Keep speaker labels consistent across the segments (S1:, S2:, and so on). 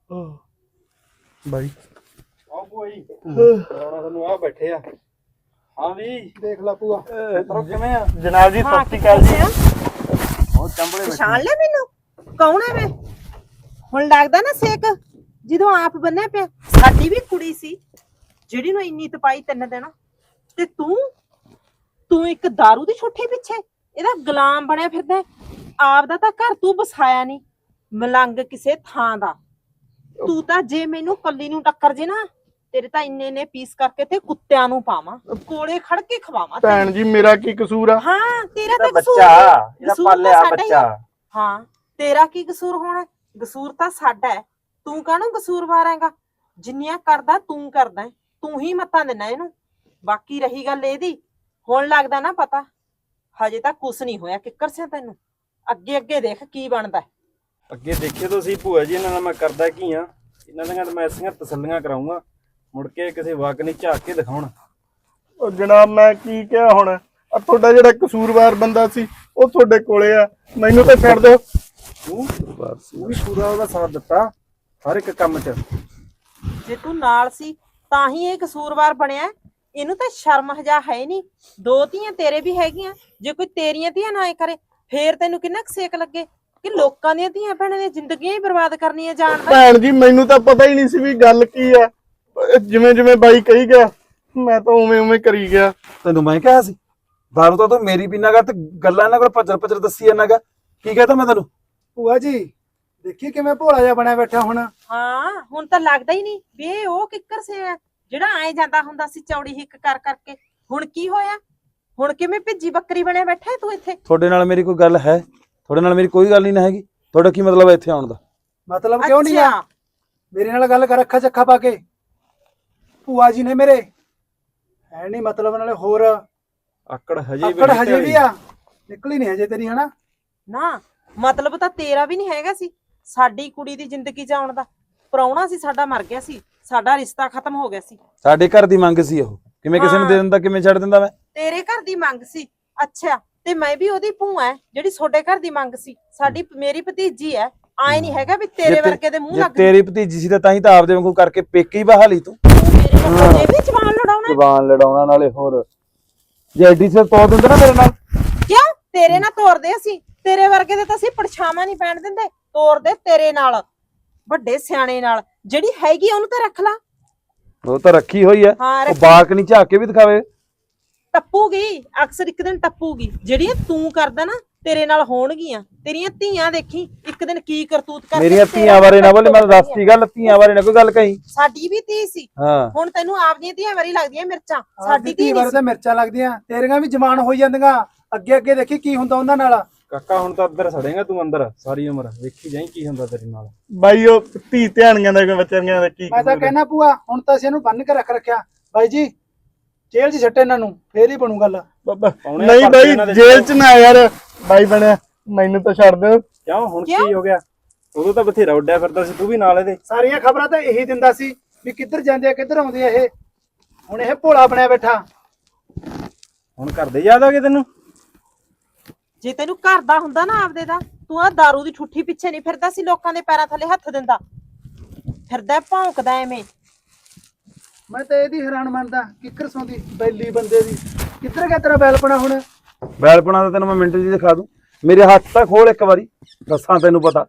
S1: ਬਾਈ
S2: ਆਹ ਭੂਆ ਜੀ ਆਉਣਾ ਤੁਹਾਨੂੰ ਆ ਬੈਠੇ ਆ। ਹਾਂ ਵੀ
S3: ਦੇਖ ਲਾ ਭੂਆ
S2: ਕਿਵੇਂ ਆ?
S1: ਜਨਾਬ ਜੀ ਸਤਿ ਸ਼੍ਰੀ ਅਕਾਲ ਜੀ।
S2: ਬਹੁਤ ਚੰਬਲੇ ਬੈਠੇ।
S4: ਪਛਾਣ ਲਿਆ ਮੈਨੂੰ ਕੌਣ ਹੈ ਮੈਂ? ਹੁਣ ਲੱਗਦਾ ਨਾ ਸੇਕ ਜਦੋਂ ਆਪ ਬੰਨਿਆ ਪਿਆ। ਸਾਡੀ ਵੀ ਕੁੜੀ ਸੀ ਜਿਹੜੀ ਨੂੰ ਇੰਨੀ ਤਪਾਈ 3 ਦਿਨ ਤੇ ਤੂੰ ਇੱਕ दारू ਦੀ ਛੁੱਟੀ ਪਿੱਛੇ ਇਹਦਾ ਗੁਲਾਮ ਬਣਿਆ ਫਿਰਦਾ। ਆਪਦਾ ਤਾਂ ਘਰ ਤੂੰ ਵਸਾਇਆ ਨਹੀਂ, ਮਲੰਗ ਕਿਸੇ ਥਾਂ ਦਾ। ਤੂੰ ਤਾਂ ਜੇ ਮੈਨੂੰ ਕੱਲੀ ਨੂੰ ਟੱਕਰ ਜੇ ਨਾ, ਤੇਰੇ ਤਾਂ ਇੰਨੇ ਪੀਸ ਕਰਕੇ ਤੇ ਕੁੱਤਿਆਂ ਨੂੰ ਪਾਵਾਂ, ਕੋਲੇ ਖੜ ਕੇ ਖਵਾਵਾਂ।
S1: ਭੈਣ ਜੀ ਮੇਰਾ ਕੀ ਕਸੂਰ ਆ?
S4: ਹਾਂ ਤੇਰਾ ਤਾਂ ਕਸੂਰ
S2: ਬੱਚਾ ਇਹਦਾ
S4: ਕਸੂਰ ਤਾਂ
S2: ਪਾਲਿਆ
S4: ਸਾਡਾ ਹੀ
S2: ਬੱਚਾ।
S4: ਆ। ਹਾਂ ਤੇਰਾ ਕੀ ਕਸੂਰ ਹੋਣਾ? ਕਸੂਰ ਤਾਂ ਸਾਡਾ ਹੈ। ਤੂੰ ਕਾਹਨੂੰ ਕਸੂਰਵਾਰ ਹੈਗਾ? ਜਿੰਨੀਆਂ ਕਰਦਾ ਤੂੰ ਕਰਦਾ ਹੈ। ਤੂੰ ਹੀ ਮੱਤਾਂ ਦੇਣਾ ਇਹਨੂੰ। ਬਾਕੀ ਰਹੀ ਗੱਲ ਇਹਦੀ, ਹੁਣ ਲੱਗਦਾ ਨਾ ਪਤਾ। ਹਜੇ ਤਾਂ ਕੁਛ ਨਹੀਂ ਹੋਇਆ ਕਿੱਕਰ ਸਿਆ ਤੈਨੂੰ। ਅੱਗੇ ਦੇਖ ਕੀ ਬਣਦਾ।
S2: ਅੱਗੇ ਦੇਖਿਓ ਤੁਸੀਂ ਭੂਆ ਜੀ, ਇਹਨਾਂ ਨਾਲ ਮੈਂ ਕਰਦਾ ਕੀ ਆ। ਇਹਨਾਂ ਦੀਆਂ ਤਾਂ ਮੈਂ ਐਸੀਆਂ ਤਸੱਲੀਆਂ ਕਰਾਉਂਗਾ, ਮੁੜ ਕੇ ਕਿਸੇ ਵਕ ਨਹੀਂ ਝਾਕ ਕੇ ਦਿਖਾਉਣ।
S1: ਉਹ ਜਨਾਬ ਮੈਂ ਕੀ ਕਿਹਾ ਹੁਣ? ਆ ਤੁਹਾਡਾ ਜਿਹੜਾ ਕਸੂਰਵਾਰ ਬੰਦਾ ਸੀ ਉਹ ਤੁਹਾਡੇ ਕੋਲੇ ਆ, ਮੈਨੂੰ ਤਾਂ ਛੱਡ ਦਿਓ।
S2: ਤੂੰ ਵੀ ਪੂਰਾ ਉਹਦਾ ਸਾਥ ਦਿੱਤਾ ਹਰ ਇੱਕ ਕੰਮ 'ਚ।
S4: ਜੇ ਤੂੰ ਨਾਲ ਸੀ ਤਾਂ ਹੀ ਇਹ ਕਸੂਰਵਾਰ ਬਣਿਆ। ਇਹਨੂੰ ਤਾਂ ਸ਼ਰਮ ਹਜਾ ਹੈ ਨਹੀਂ। 2 ਧੀਆਂ ਤੇਰੇ ਵੀ ਹੈਗੀਆਂ। ਜੇ ਕੋਈ ਤੇਰੀਆਂ ਧੀਆਂ ਨਾ ਕਰੇ ਫੇਰ ਤੈਨੂੰ ਕਿੰਨਾ ਕੁ ਸੇਕ ਲੱਗੇ ਕਿ ਲੋਕਾਂ ਦੀਆਂ ਧੀਆਂ ਭੈਣਾਂ ਦੀਆਂ ਜ਼ਿੰਦਗੀਆਂ ਹੀ ਬਰਬਾਦ ਕਰਨੀਆਂ ਜਾਣਦਾ।
S1: ਭੈਣ ਜੀ ਮੈਨੂੰ ਤਾਂ ਪਤਾ ਹੀ ਨਹੀਂ ਸੀ ਵੀ ਗੱਲ ਕੀ ਆ। ਜਿਵੇਂ ਬਾਈ ਕਹੀ ਗਿਆ ਮੈਂ ਤਾਂ ਉਵੇਂ ਕਰੀ ਗਿਆ।
S5: ਤੈਨੂੰ ਮੈਂ ਕਿਹਾ ਸੀ ਦਾਰੂ ਤਾਂ ਤੂੰ ਮੇਰੀ ਪੀਨਾਗਾ ਤੇ ਗੱਲਾਂ ਇਹਨਾਂ ਕੋਲ ਭੱਜਰ ਦੱਸੀ ਜਾਂਦਾਗਾ। ਕੀ ਕਹਤਾ ਮੈਂ ਤੈਨੂੰ?
S3: ਭੂਆ ਜੀ ਦੇਖੀ ਕਿਵੇਂ ਭੋਲਾ ਜਿਹਾ ਬਣਿਆ ਬੈਠਾ ਹੁਣ।
S4: ਹਾਂ ਹੁਣ ਤਾਂ ਲੱਗਦਾ ਹੀ ਨਹੀਂ ਵੀ ਇਹ ਉਹ ਕਿੱਕਰ ਸੇ ਆ ਜਿਹੜਾ ਆਏ ਜਾਂਦਾ ਹੁੰਦਾ ਸੀ ਚੌੜੀ ਹਿੱਕ ਕਰ ਕਰਕੇ। ਹੁਣ ਕੀ ਹੋਇਆ? ਹੁਣ ਕਿਵੇਂ ਭਿੱਜੀ ਬੱਕਰੀ ਬਣਿਆ ਬੈਠਾ ਤੂੰ ਇੱਥੇ?
S5: ਤੁਹਾਡੇ ਨਾਲ ਮੇਰੀ ਕੋਈ ਗੱਲ ਹੈ? ਤੁਹਾਡੇ ਨਾਲ ਮੇਰੀ ਕੋਈ ਗੱਲ ਨਹੀਂ ਨਾ ਹੈਗੀ। ਤੁਹਾਡਾ ਕੀ ਮਤਲਬ ਹੈ ਇੱਥੇ ਆਉਣ ਦਾ?
S3: ਮਤਲਬ ਕਿਉਂ ਨਹੀਂ ਆ? ਮੇਰੇ ਨਾਲ ਗੱਲ ਕਰ, ਅੱਖਾਂ ਚੱਖਾ ਪਾ ਕੇ। ਭੂਆ ਜੀ ਨੇ ਮੇਰੇ ਹੈ ਨਹੀਂ ਮਤਲਬ ਨਾਲੇ ਹੋਰ
S2: ਆਕੜ ਹਜੇ
S3: ਵੀ ਆ ਨਿਕਲੀ ਨਹੀਂ ਹਜੇ ਤੇਰੀ, ਹਨਾ?
S4: ਨਾ ਮਤਲਬ ਤਾਂ ਤੇਰਾ ਵੀ ਨਹੀਂ ਹੈਗਾ ਸੀ ਸਾਡੀ ਕੁੜੀ ਦੀ ਜ਼ਿੰਦਗੀ ਚ ਆਉਣ ਦਾ। ਪ੍ਰਾਹੁਣਾ ਸੀ ਸਾਡਾ, ਮਰ ਗਿਆ ਸੀ, ਸਾਡਾ ਰਿਸ਼ਤਾ ਖਤਮ ਹੋ ਗਿਆ ਸੀ।
S5: ਸਾਡੇ ਘਰ ਦੀ ਮੰਗ ਸੀ ਉਹ, ਕਿਵੇਂ ਕਿਸੇ ਨੂੰ ਦੇ ਦਿੰਦਾ, ਕਿਵੇਂ ਛੱਡ ਦਿੰਦਾ ਮੈਂ?
S4: ਤੇਰੇ ਘਰ ਦੀ ਮੰਗ ਸੀ। ਅੱਛਾ ਤੇ ਮੈਂ ਵੀ ਉਹਦੀ ਭੂਆ ਹੈ ਜਿਹੜੀ ਤੁਹਾਡੇ ਘਰ ਦੀ ਮੰਗ ਸੀ। ਮੇਰੀ ਭਤੀਜੀ ਹੈ। ਆਏ ਨਹੀਂ ਹੈਗਾ ਵੀ ਤੇਰੇ ਵਰਗੇ ਦੇ ਮੂੰਹ ਲੱਗ
S5: ਤੇਰੀ ਭਤੀਜੀ ਸੀ ਤਾਂ ਹੀ ਤਾਂ ਆਪਦੇ ਵਾਂਗੂ ਕਰਕੇ ਪੇਕੇ ਹੀ ਬਹਾ ਲਈ ਤੂੰ।
S4: ਮੇਰੇ ਨਾਲ ਇਹ ਵੀ ਜਵਾਨ ਲੜਾਉਣਾ।
S5: ਜ਼ਬਾਨ ਲੜਾਉਣਾ ਨਾਲੇ ਹੋਰ ਜੇ ਐਡੀ ਸਿਰ ਤੋੜ ਦਿੰਦੇ ਨਾ ਮੇਰੇ ਨਾਲ।
S4: ਕਿਉਂ? ਤੇਰੇ ਨਾਲ ਤੋਰਦੇ ਅਸੀਂ, ਤੇਰੇ ਵਰਗੇ ਦੇ ਤਾਂ ਅਸੀਂ ਪਰਛਾਵਾਂ ਨਹੀਂ ਪੈਣ ਦਿੰਦੇ। ਤੋਰਦੇ ਤੇਰੇ ਨਾਲ, ਵੱਡੇ ਸਿਆਣੇ ਨਾਲ। ਜਿਹੜੀ ਹੈਗੀ ਉਹਨੂੰ ਤਾਂ ਰੱਖ ਲਾ।
S5: ਉਹ ਤਾਂ ਰੱਖੀ ਹੋਈ ਐ।
S4: ਹਾਂ,
S5: ਉਹ ਬਾਕ ਨਹੀਂ ਝਾਕ ਕੇ ਵੀ ਦਿਖਾਵੇ।
S4: ਟੱਪੂਗੀ, ਅਕਸਰ ਇੱਕ ਦਿਨ ਟੱਪੂਗੀ। ਜਿਹੜੀਆਂ ਤੂੰ ਕਰਦਾ ਨਾ ਤੇਰੇ ਨਾਲ ਹੋਣਗੀਆਂ। ਤੇਰੀਆਂ ਧੀਆਂ ਦੇਖੀ ਇੱਕ ਦਿਨ ਕੀ ਕਰਤੂਤ ਕਰਦੇ।
S5: ਮੇਰੀਆਂ ਧੀਆਂ ਬਾਰੇ ਨਾ ਬੋਲੇ, ਮੈਂ ਦੱਸਤੀ ਗੱਲ। ਧੀਆਂ ਬਾਰੇ ਨਾ ਕੋਈ ਗੱਲ ਕਹੀ।
S4: ਸਾਡੀ ਵੀ ਧੀ ਸੀ।
S5: ਹਾਂ
S4: ਹੁਣ ਤੈਨੂੰ ਆਪਦੀਆਂ ਧੀਆਂ ਵਾਰੀ ਲੱਗਦੀਆਂ ਮਿਰਚਾਂ।
S3: ਸਾਡੀ ਧੀ ਬਾਰੇ ਤਾਂ ਮਿਰਚਾਂ ਲੱਗਦੀਆਂ, ਤੇਰੀਆਂ ਵੀ ਜਵਾਨ ਹੋਈ ਜਾਂਦੀਆਂ। ਅੱਗੇ ਦੇਖੀ ਕੀ ਹੁੰਦਾ ਉਹਨਾਂ ਨਾਲ।
S2: ਕਾਕਾ ਹੁਣ ਤਾਂ ਅੰਦਰ ਸੜੇਗਾ ਤੂੰ, ਅੰਦਰ ਸਾਰੀ ਉਮਰ ਵੇਖੀ ਜਾਈਂ ਕੀ ਹੁੰਦਾ ਤੇਰੇ ਨਾਲ।
S1: ਬਾਈ ਉਹ ਧੀ ਧਿਆਣੀਆਂ ਦਾ ਬੱਚਿਆਂ ਦਾ ਕੀ
S3: ਮੈਂ ਤਾਂ ਕਹਿਣਾ ਭੂਆ ਹੁਣ ਤਾਂ ਅਸੀਂ ਇਹਨੂੰ ਬੰਨ ਕੇ ਰੱਖਿਆ। ਬਾਈ ਜੀ ਜੇਲ੍ਹ 'ਚ ਛੱਟੇ ਇਹਨਾਂ ਨੂੰ, ਫੇਰ ਹੀ ਬਣੂ ਗੱਲ।
S1: ਨਹੀਂ ਬਾਈ ਜੇਲ੍ਹ 'ਚ ਨਾ ਯਾਰ। ਬਾਈ ਬਣਿਆ ਮੈਨੂੰ ਤਾਂ ਛੱਡ ਦਿਓ।
S2: ਕਿਉਂ ਹੁਣ ਕੀ ਹੋ ਗਿਆ? ਉਦੋਂ ਤਾਂ ਬਥੇਰਾ ਉੱਡਿਆ ਫਿਰਦਾ ਸੀ ਤੂੰ ਵੀ ਨਾਲ ਇਹਦੇ।
S3: ਸਾਰੀਆਂ ਖਬਰਾਂ ਤਾਂ ਇਹੀ ਦਿੰਦਾ ਸੀ ਵੀ ਕਿੱਧਰ ਜਾਂਦੇ ਆ ਕਿੱਧਰ ਆਉਂਦੇ ਆ ਇਹ। ਹੁਣ ਇਹ ਭੋਲਾ ਬਣਿਆ ਬੈਠਾ।
S2: ਹੁਣ ਘਰ ਦੇ ਯਾਦ ਆ ਗਏ ਤੈਨੂੰ?
S4: ਜੇ ਤੈਨੂੰ ਘਰ ਦਾ ਹੁੰਦਾ ਨਾ ਆਪਦੇ ਦਾ, ਤੂੰ ਆ दारू ਦੀ ਠੁੱਠੀ ਪਿੱਛੇ ਨਹੀਂ ਫਿਰਦਾ ਸੀ। ਲੋਕਾਂ ਦੇ ਪੈਰਾਂ ਥੱਲੇ ਹੱਥ ਦਿੰਦਾ ਫਿਰਦਾ, ਭੌਂਕਦਾ ਐਵੇਂ।
S3: ਮੈਂ ਤਾਂ ਇਹਦੀ ਹੈਰਾਨ ਮੰਨਦਾ ਕਿੱਕਰ ਸੌਂਦੀ ਬੈਲੀ ਬੰਦੇ ਦੀ। ਕਿੱਧਰ ਗਿਆ ਤੇਰਾ ਬੈਲਪਣਾ ਹੁਣ?
S5: ਬੈਲਪਣਾ ਤਾਂ ਤੈਨੂੰ ਮੈਂ ਮਿੰਟ 'ਚ ਦਿਖਾ ਦੂੰ। ਮੇਰੇ ਹੱਥ ਤਾਂ ਖੋਲ ਇੱਕ ਵਾਰੀ, ਦੱਸਾਂ ਤੈਨੂੰ ਪਤਾ।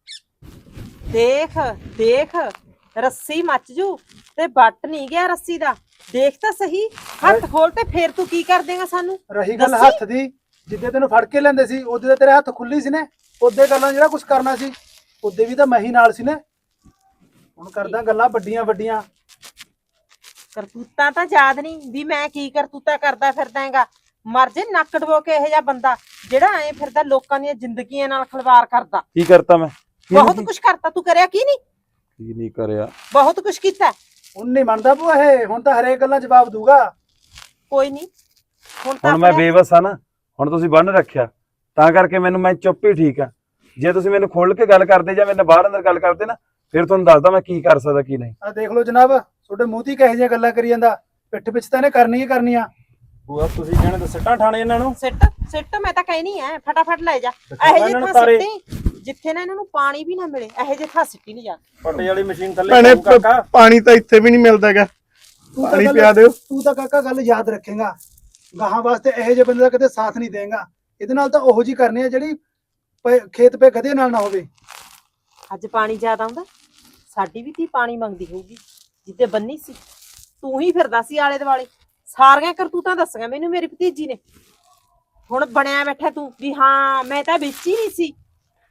S4: ਦੇਖ ਰੱਸੀ ਮੱਚ ਜੂ ਤੇ ਵੱਟ ਨਹੀਂ ਗਿਆ ਰੱਸੀ ਦਾ। ਦੇਖ ਤਾਂ ਸਹੀ, ਹੱਥ ਖੋਲ ਤੇ ਫੇਰ ਤੂੰ ਕੀ ਕਰ ਦੇਗਾ ਸਾਨੂੰ?
S3: ਰਹੀ ਗੱਲ ਹੱਥ ਦੀ, ਜਿੱਦੇ ਤੈਨੂੰ ਫੜ ਕੇ ਲੈਂਦੇ ਸੀ ਉਹਦੇ ਤਾਂ ਤੇਰੇ ਹੱਥ ਖੁੱਲੀ ਸੀ ਨੇ। ਉਹਦੇ ਗੱਲਾਂ ਜਿਹੜਾ ਕੁਝ ਕਰਨਾ ਸੀ ਉਹਦੇ ਵੀ ਤਾਂ ਮੈਂ ਹੀ ਨਾਲ ਸੀ ਨੇ। ਹੁਣ ਕਰਦਾ ਗੱਲਾਂ ਵੱਡੀਆਂ।
S4: ਕਰਤੂਤਾਂ ਤਾਂ ਯਾਦ ਨਹੀਂ ਵੀ ਮੈਂ ਕੀ ਕਰਤੂਤਾ ਕਰਦਾ ਫਿਰਦਾ ਹੈਗਾ। ਮਰ ਜੇ ਨੱਕ ਡਬੋ ਕੇ ਇਹੋ ਜਿਹਾ ਬੰਦਾ ਜਿਹੜਾ ਐ ਫਿਰਦਾ ਲੋਕਾਂ ਦੀਆਂ ਜ਼ਿੰਦਗੀਆਂ ਨਾਲ ਖਿਲਵਾੜ ਕਰਦਾ।
S5: ਕੀ ਕਰਤਾ ਮੈਂ?
S4: ਬਹੁਤ ਕੁਝ ਕਰਤਾ ਤੂੰ। ਕਰਿਆ ਕੀ ਨਹੀਂ?
S5: ਕੀ ਨਹੀਂ ਕਰਿਆ?
S4: ਬਹੁਤ ਕੁਝ ਕੀਤਾ।
S3: ਹੁਣ ਨਹੀਂ ਮੰਨਦਾ ਭੂਆ ਇਹ। ਹੁਣ ਤਾਂ ਹਰੇਕ ਗੱਲਾਂ ਜਵਾਬ ਦੂਗਾ।
S4: ਕੋਈ ਨਹੀਂ
S5: ਹੁਣ ਮੈਂ ਬੇਵਸ ਆ ਨਾ। ਹੁਣ ਤੁਸੀਂ ਬੰਨ ਰੱਖਿਆ ਤਾਂ ਕਰਕੇ ਮੈਂ ਚੁੱਪ ਹੀ ਠੀਕ ਆ। ਜੇ ਤੁਸੀਂ ਮੈਨੂੰ ਖੋਲ ਕੇ ਗੱਲ ਕਰਦੇ ਜਾਂ ਮੇਰੇ ਬਾਹਰ ਅੰਦਰ ਗੱਲ ਕਰਦੇ ਨਾ, ਫਿਰ ਤੁਹਾਨੂੰ ਦੱਸਦਾ ਮੈਂ ਕੀ ਕਰ ਸਕਦਾ ਕੀ ਨਹੀਂ।
S3: ਆ ਦੇਖ ਲਓ ਜਨਾਬ, ਤੁਹਾਡੇ ਮੂੰਹ ਤੇ ਕਿਹੋ ਜਿਹੀਆਂ ਗੱਲਾਂ ਕਰੀ ਜਾਂਦਾ। ਪਿੱਠ ਪਿੱਛੇ ਤਾਂ ਇਹਨੇ ਕਰਨੀਆਂ।
S2: ਭੂਆ ਤੁਸੀਂ ਕਹਿਣੇ ਤਾਂ ਸਿੱਟਾਂ ਠਾਣੇ ਇਹਨਾਂ ਨੂੰ।
S4: ਸਿੱਟ ਮੈਂ ਤਾਂ ਕਹਿਣੀ ਐ ਫਟਾਫਟ ਲੈ ਜਾ। ਇਹੋ ਜਿਹੇ ਥਾਂ
S2: ਤਾਰੇ
S4: ਸਿੱਟੀ ਜਿੱਥੇ ਨਾ ਇਹਨਾਂ ਨੂੰ ਪਾਣੀ ਵੀ ਨਾ ਮਿਲੇ ਇਹੋ ਜਿਹੇ ਥਾਂ ਸਿੱਟੀ ਨਹੀਂ ਜਾ।
S2: ਪੱਟੇ ਵਾਲੀ ਮਸ਼ੀਨ ਥੱਲੇ
S1: ਭੈਣੇ
S2: ਪਾਊ ਕਾਕਾ।
S1: ਪਾਣੀ ਤਾਂ ਇੱਥੇ ਵੀ ਨਹੀਂ ਮਿਲਦਾ ਹੈਗਾ, ਪਾਣੀ ਪਿਆ ਦਿਓ।
S3: ਤੂੰ ਤਾਂ ਕਾਕਾ ਗੱਲ ਯਾਦ ਰੱਖੇਗਾ, ਗਾਹਾਂ ਵਾਸਤੇ ਇਹੋ ਜਿਹੇ ਬੰਦੇ ਦਾ ਕਦੇ ਸਾਥ ਨਹੀਂ ਦੇਗਾ। ਇਹਦੇ ਨਾਲ ਤਾਂ ਉਹੋ ਜੀ ਕਰਨੀ ਆ ਜਿਹੜੀ ਖੇਤ ਪੇ ਗਧੇ ਨਾਲ ਨਾ ਹੋਵੇ।
S4: ਅੱਜ ਪਾਣੀ ਜ਼ਿਆਦਾ ਆਉਂਦਾ, ਸਾਡੀ ਵੀ ਧੀ ਪਾਣੀ ਮੰਗਦੀ ਹੋਊਗੀ। ਜਿੱਦੇ ਬੰਨੀ ਸੀ ਤੂੰ ਹੀ ਫਿਰਦਾ ਸੀ ਆਲੇ ਦੁਆਲੇ, ਸਾਰੀਆਂ ਕਰਤੂਤਾਂ ਦੱਸੀਆਂ ਮੈਨੂੰ ਮੇਰੀ ਭਤੀਜੀ ਨੇ। ਹੁਣ ਬਣਿਆ ਬੈਠਾ ਤੂੰ ਵੀ ਹਾਂ ਮੈਂ ਤਾਂ ਵਿੱਚ ਹੀ ਨਹੀਂ ਸੀ।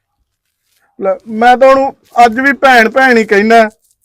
S1: ਲੈ, ਮੈਂ ਤਾਂ ਉਹਨੂੰ ਅੱਜ ਵੀ ਭੈਣ ਭੈਣ ਹੀ ਕਹਿਣਾ।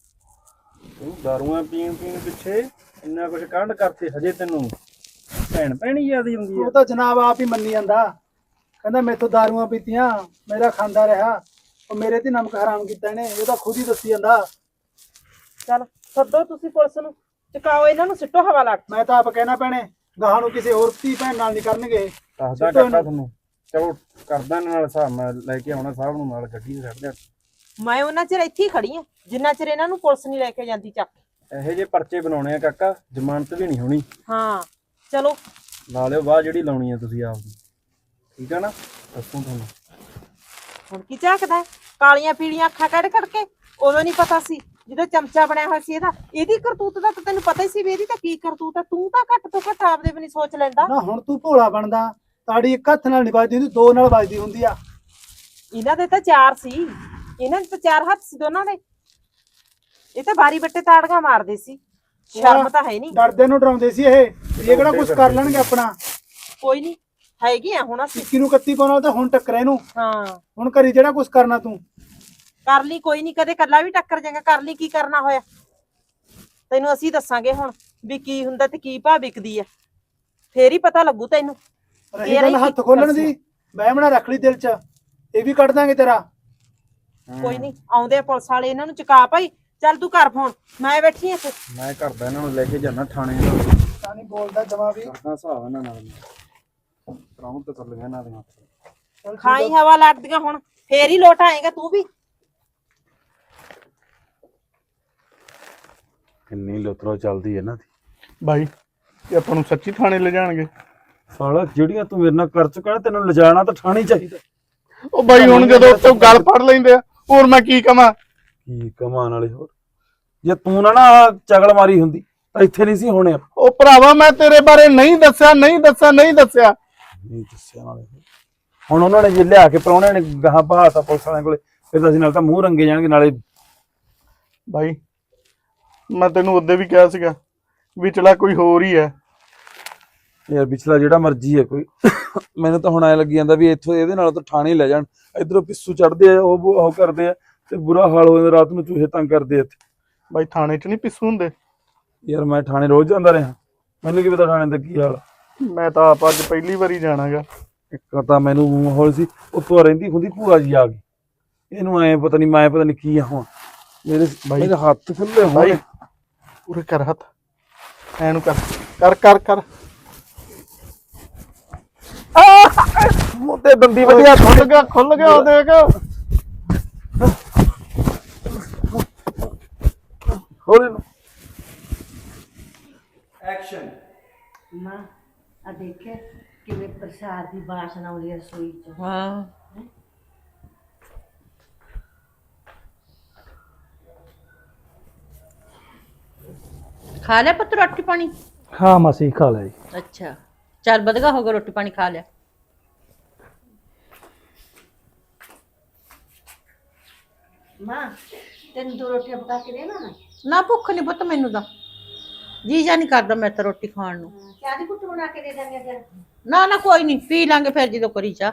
S2: ਤੂੰ ਦਾਰੂਆਂ ਪੀਣ ਪਿੱਛੇ ਇੰਨਾ ਕੁਝ ਕਾਂਡ ਕਰਤੇ, ਹਜੇ ਤੈਨੂੰ ਭੈਣ ਭੈਣੀ ਯਾਦ ਹੀ ਹੁੰਦੀ
S3: ਉਹ
S2: ਆ।
S3: ਤਾਂ ਜਨਾਬ ਆਪ ਹੀ ਮੰਨੀ ਜਾਂਦਾ, ਕਹਿੰਦਾ ਮੈਥੋਂ ਦਾਰੂਆਂ ਪੀਤੀਆਂ, ਮੇਰਾ ਖਾਂਦਾ ਰਿਹਾ, ਉਹ ਮੇਰੇ ਤੇ ਨਮਕ ਹਰਾਮ ਕੀਤਾ ਇਹਨੇ। ਇਹ ਤਾਂ ਖੁਦ ਹੀ ਦੱਸੀ ਜਾਂਦਾ।
S4: ਚੱਲ ਸੱਦੋ ਤੁਸੀਂ ਪੁਲਿਸ ਨੂੰ, ਚੁਕਾਓ ਇਹਨਾਂ ਨੂੰ, ਸਿੱਟੋ ਹਵਾ ਲੱਗ।
S3: ਮੈਂ ਤਾਂ ਆਪ ਕਹਿਣਾ ਭੈਣੇ ਗਾਹਾਂ ਨੂੰ ਕਿਸੇ ਹੋਰ ਧੀ ਭੈਣ ਨਾਲ ਨਹੀਂ ਕਰਨਗੇ।
S2: ਦੱਸਦਾ ਕਾਕਾ ਤੁਹਾਨੂੰ, ਚਲੋ ਕਰਦਾ ਇਹਨਾਂ ਨਾਲ ਹਿਸਾਬ। ਮੈਂ ਲੈ ਕੇ ਆਉਣਾ ਸਾਹਿਬ ਨੂੰ ਨਾਲ, ਗੱਡੀ ਤੇ ਛੱਡ
S4: ਮੈਂ ਉਹਨਾਂ ਚਿਰ ਇੱਥੇ ਹੀ ਖੜੀ ਆ ਜਿੰਨਾ ਚਿਰ ਇਹਨਾਂ ਨੂੰ ਪੁਲਿਸ ਨਹੀਂ ਲੈ ਕੇ ਜਾਂਦੀ ਚੱਕ।
S2: ਇਹੋ ਜਿਹੇ ਪਰਚੇ ਬਣਾਉਣੇ ਆ ਕਾਕਾ, ਜ਼ਮਾਨਤ ਵੀ ਨਹੀਂ ਹੋਣੀ।
S4: ਹਾਂ ਚਲੋ
S2: ਲਾ ਲਿਓ ਬਾਹ ਜਿਹੜੀ ਲਾਉਣੀ ਆ ਤੁਸੀਂ ਆਪ ਦੀ, ਠੀਕ ਆ ਨਾ? ਦੱਸੂ ਤੁਹਾਨੂੰ।
S4: ਹੁਣ ਕੀ ਝਾਕਦਾ ਹੈ? ਕਾਲੀਆਂ ਪੀਲੀਆਂ ਅੱਖਾਂ ਕੱਢ ਕੱਢ ਕੇ ਉਦੋਂ ਨਹੀਂ ਪਤਾ ਸੀ ਜਦੋਂ ਚਮਚਾ ਬਣਿਆ ਹੋਇਆ ਸੀ ਇਹਦਾ। ਇਹਦੀ ਕਰਤੂਤ ਦਾ ਤਾਂ ਤੈਨੂੰ ਪਤਾ ਹੀ ਸੀ ਵੀ ਇਹਦੀ ਤਾਂ ਕੀ ਕਰਤੂਤ ਆ। ਤੂੰ ਤਾਂ ਘੱਟ ਤੋਂ ਘੱਟ ਆਪਦੇ ਵੀ ਨਹੀਂ ਸੋਚ ਲੈਂਦਾ।
S3: ਨਾ ਹੁਣ ਤੂੰ ਭੋਲਾ ਬਣਦਾ, ਤਾੜੀ ਇੱਕ ਹੱਥ ਨਾਲ ਨਹੀਂ ਵੱਜਦੀ ਹੁੰਦੀ, ਦੋ ਨਾਲ ਵੱਜਦੀ ਹੁੰਦੀ ਆ।
S4: ਇਹਨਾਂ ਦੇ ਤਾਂ ਚਾਰ ਸੀ, ਇਹਨਾਂ ਦੇ ਤਾਂ ਚਾਰ ਹੱਥ ਸੀ ਦੋਨਾਂ ਦੇ। ਇਹ ਤਾਂ ਬਾਰੀ ਬੱਟੇ ਤਾੜੀਆਂ ਮਾਰਦੇ ਸੀ, ਸ਼ਰਮ ਤਾਂ ਹੈ ਨਹੀਂ।
S3: ਡਰਦੇ ਨੂੰ ਡਰਾਉਂਦੇ ਸੀ ਇਹ ਕਿਹੜਾ ਕੁਝ ਕਰ ਲੈਣਗੇ ਆਪਣਾ।
S4: ਕੋਈ ਨਹੀਂ ਹੈਗੀ ਆ ਹੁਣ ਅਸੀਂ।
S3: 21 ਨੂੰ 31 ਪਾਉਣ ਨਾਲ ਤਾਂ ਹੁਣ ਟੱਕਰੇ ਇਹਨੂੰ।
S4: ਹਾਂ
S3: ਹੁਣ ਕਰੀ ਜਿਹੜਾ ਕੁਝ ਕਰਨਾ ਤੂੰ
S4: ਕਰ ਲਈ, ਕੋਈ ਨਹੀਂ ਕਦੇ ਕੱਲਾ ਵੀ ਟੱਕਰ ਜਾਏਗਾ। ਕਰ ਲਈ, ਕੀ ਕਰਨਾ ਹੋਇਆ ਤੈਨੂੰ ਅਸੀਂ ਦੱਸਾਂਗੇ ਹੁਣ ਵੀ ਕੀ ਹੁੰਦਾ ਤੇ ਕੀ ਭਾਅ ਵਿਕਦੀ ਆ, ਫੇਰ ਹੀ ਪਤਾ ਲੱਗੂ ਤੈਨੂੰ।
S3: ਰਹੀ ਗੱਲ ਹੱਥ ਖੋਲਣ ਦੀ, ਬਹਿਮਣਾ ਰੱਖ ਲਈ ਦਿਲ 'ਚ, ਇਹ ਵੀ ਕੱਢ ਦਾਂਗੇ ਤੇਰਾ।
S4: ਕੋਈ ਨਹੀਂ ਆਉਂਦੇ ਆ ਪੁਲਿਸ ਵਾਲੇ, ਇਹਨਾਂ ਨੂੰ ਚੁਕਾ ਭਾਈ। ਚੱਲ ਤੂੰ ਘਰ ਫੋਨ, ਮੈਂ ਬੈਠੀ ਆ ਇੱਥੇ।
S2: ਮੈਂ ਕਰਦਾ ਇਹਨਾਂ ਨੂੰ ਲੈ ਕੇ ਜਾਣਾ ਥਾਣੇ।
S3: ਤਾਂ ਨਹੀਂ ਬੋਲਦਾ ਜਮਾ ਵੀ।
S2: ਕਰਦਾ ਹਿਸਾਬ ਇਹਨਾਂ ਨਾਲ, ਕਰਾਉਂ ਤਾਂ ਚੱਲ ਗਿਆ ਇਹਨਾਂ ਦੀਆਂ।
S3: ਚੱਲ ਠੀਕ
S4: ਖਾਈ
S3: ਆ।
S4: ਹਵਾ ਲੱਗਦੀਆਂ ਹੁਣ, ਫੇਰ ਹੀ ਲੋਟ ਆਏਗਾ ਤੂੰ ਵੀ।
S5: ਕਿੰਨੀ ਲੁਤਰੋ ਚੱਲਦੀ ਹੈ ਨਾ ਦੀ।
S1: ਬਾਈ ਇਹ ਆਪਾਂ ਨੂੰ ਸੱਚੀ ਥਾਣੇ ਲੈ ਜਾਣਗੇ?
S5: ਸਾਲਾ ਜਿਹੜੀਆਂ ਤੂੰ ਮੇਰੇ ਨਾਲ ਕਰ ਚੁੱਕਾ ਨਾ, ਤੈਨੂੰ ਲਿਜਾਣਾ ਤਾਂ ਠਾਣੀ ਚਾਹੀਦਾ।
S1: ਉਹ ਬਾਈ ਹੁਣ ਜਦੋਂ ਉੱਤੋਂ ਗੱਲ ਫੜ ਲੈਂਦੇ ਆ, ਹੋਰ ਮੈਂ ਕੀ ਕਵਾਂ?
S5: ਕੀ ਕਮਾਨ ਵਾਲੇ ਹੋਰ, ਜੇ ਤੂੰ ਨਾ ਆਹ ਚਗਲ ਮਾਰੀ ਹੁੰਦੀ ਤਾਂ ਇੱਥੇ ਨਹੀਂ ਸੀ ਹੋਣੇ।
S1: ਉਹ ਭਰਾਵਾ ਮੈਂ ਤੇਰੇ ਬਾਰੇ ਨਹੀਂ ਦੱਸਿਆ।
S5: ਨਹੀਂ ਦੱਸਿਆ ਨਾਲੇ ਹੁਣ ਉਹਨਾਂ ਨੇ ਜੇ ਲਿਆ ਕੇ ਪ੍ਰਾਹੁਣਿਆਂ ਨੇ ਗਾਹਾਂ ਬਹਾਤਾ ਪੁਲਿਸ ਵਾਲਿਆਂ ਕੋਲੇ, ਫਿਰ ਤਾਂ ਅਸੀਂ ਨਾਲ ਤਾਂ ਮੂੰਹ ਰੰਗੇ ਜਾਣਗੇ ਨਾਲੇ।
S1: ਬਾਈ ਮੈਂ ਤੈਨੂੰ ਉਦੋਂ ਵੀ ਕਿਹਾ ਸੀਗਾ ਵਿਚਲਾ ਕੋਈ ਹੋਰ ਹੀ ਹੈ।
S5: ਯਾਰ ਪਿਛਲਾ ਜਿਹੜਾ ਮਰਜ਼ੀ ਹੈ ਕੋਈ, ਮੈਨੂੰ ਤਾਂ ਹੁਣ ਐ ਲੱਗੀ ਜਾਂਦਾ ਵੀ ਇੱਥੋਂ ਇਹਦੇ ਨਾਲ ਤਾਂ ਥਾਣੇ ਲੈ ਜਾਣ। ਇਧਰੋਂ ਪਿੱਸੂ ਚੜਦੇ ਆ, ਉਹ ਕਰਦੇ ਆ ਤੇ ਬੁਰਾ ਹਾਲ ਹੋ ਜਾਂਦਾ। ਰਾਤ ਨੂੰ ਚੂਹੇ ਤੰਗ ਕਰਦੇ ਆ ਇੱਥੇ।
S1: ਬਾਈ ਥਾਣੇ 'ਚ ਨਹੀਂ ਪਿੱਸੂ ਹੁੰਦੇ।
S5: ਯਾਰ ਮੈਂ ਥਾਣੇ ਰੋਜ਼ ਜਾਂਦਾ ਰਿਹਾ, ਮੈਨੂੰ ਕੀ ਪਤਾ ਥਾਣੇ ਦਾ ਕੀ ਹਾਲ।
S1: ਮੈਂ ਤਾਂ ਆਪ ਅੱਜ ਪਹਿਲੀ ਵਾਰੀ ਜਾਣਾਗਾ।
S5: ਇੱਕ ਤਾਂ ਮੈਨੂੰ ਮਾਹੌਲ ਸੀ, ਉੱਤੋਂ ਰਹਿੰਦੀ ਹੁੰਦੀ ਭੂਆ ਜੀ ਆ ਗਈ, ਇਹਨੂੰ ਐ ਪਤਾ ਨਹੀਂ ਕੀ ਆ। ਹੁਣ ਮੇਰੇ ਹੱਥ ਖੁੱਲੇ ਹੋਏ।
S1: ਉਰੇ ਕਰ ਹੱਥ, ਐਨੂੰ ਕਰ ਕਰ ਕਰ ਕਰ।
S5: ਮੋਤੇ ਦੰਦੀ ਵਧੀਆ
S1: ਖੁੱਲ ਗਿਆ ਉਹ ਦੇਖ।
S5: ਹੌਲੇ ਨੂੰ
S2: ਐਕਸ਼ਨ।
S6: ਮਾਂ ਆ ਦੇਖੇ ਕਿਵੇਂ ਪ੍ਰਸਾਦ ਦੀ ਬਾਸ਼ਨਾ ਆਉਂਦੀ ਹੈ ਰਸੋਈ ਚ।
S4: ਹਾਂ
S7: ਖਾ ਲਿਆ ਪੁੱਤ ਰੋਟੀ ਪਾਣੀ?
S3: ਹਾਂ ਮਾਸੀ ਖਾ ਲੈ।
S7: ਅੱਛਾ ਚੱਲ ਵਧਗਾ ਹੋ ਗਿਆ, ਰੋਟੀ ਪਾਣੀ ਖਾ ਲਿਆ।
S6: ਮਾਂ ਤੈਨੂੰ ਦੋ ਰੋਟੀਆਂ ਪਕਾ ਕੇ ਦੇਣਾ ਨਾ।
S7: ਨਾ ਭੁੱਖ ਨਹੀਂ ਪੁੱਤ ਮੈਨੂੰ ਤਾਂ, ਜੀ ਜਾ ਨਹੀਂ ਕਰਦਾ ਮੈਂ ਤਾਂ ਰੋਟੀ ਖਾਣ ਨੂੰ।
S6: ਚਾਹ ਦੀ ਕੁੱਟ ਬਣਾ ਕੇ ਦੇ ਦਾਂਗੇ ਫਿਰ।
S7: ਨਾ ਨਾ ਕੋਈ ਨਹੀਂ, ਪੀ ਲਾਂਗੇ ਫਿਰ ਜਦੋਂ ਕਰੀ ਚਾਹ।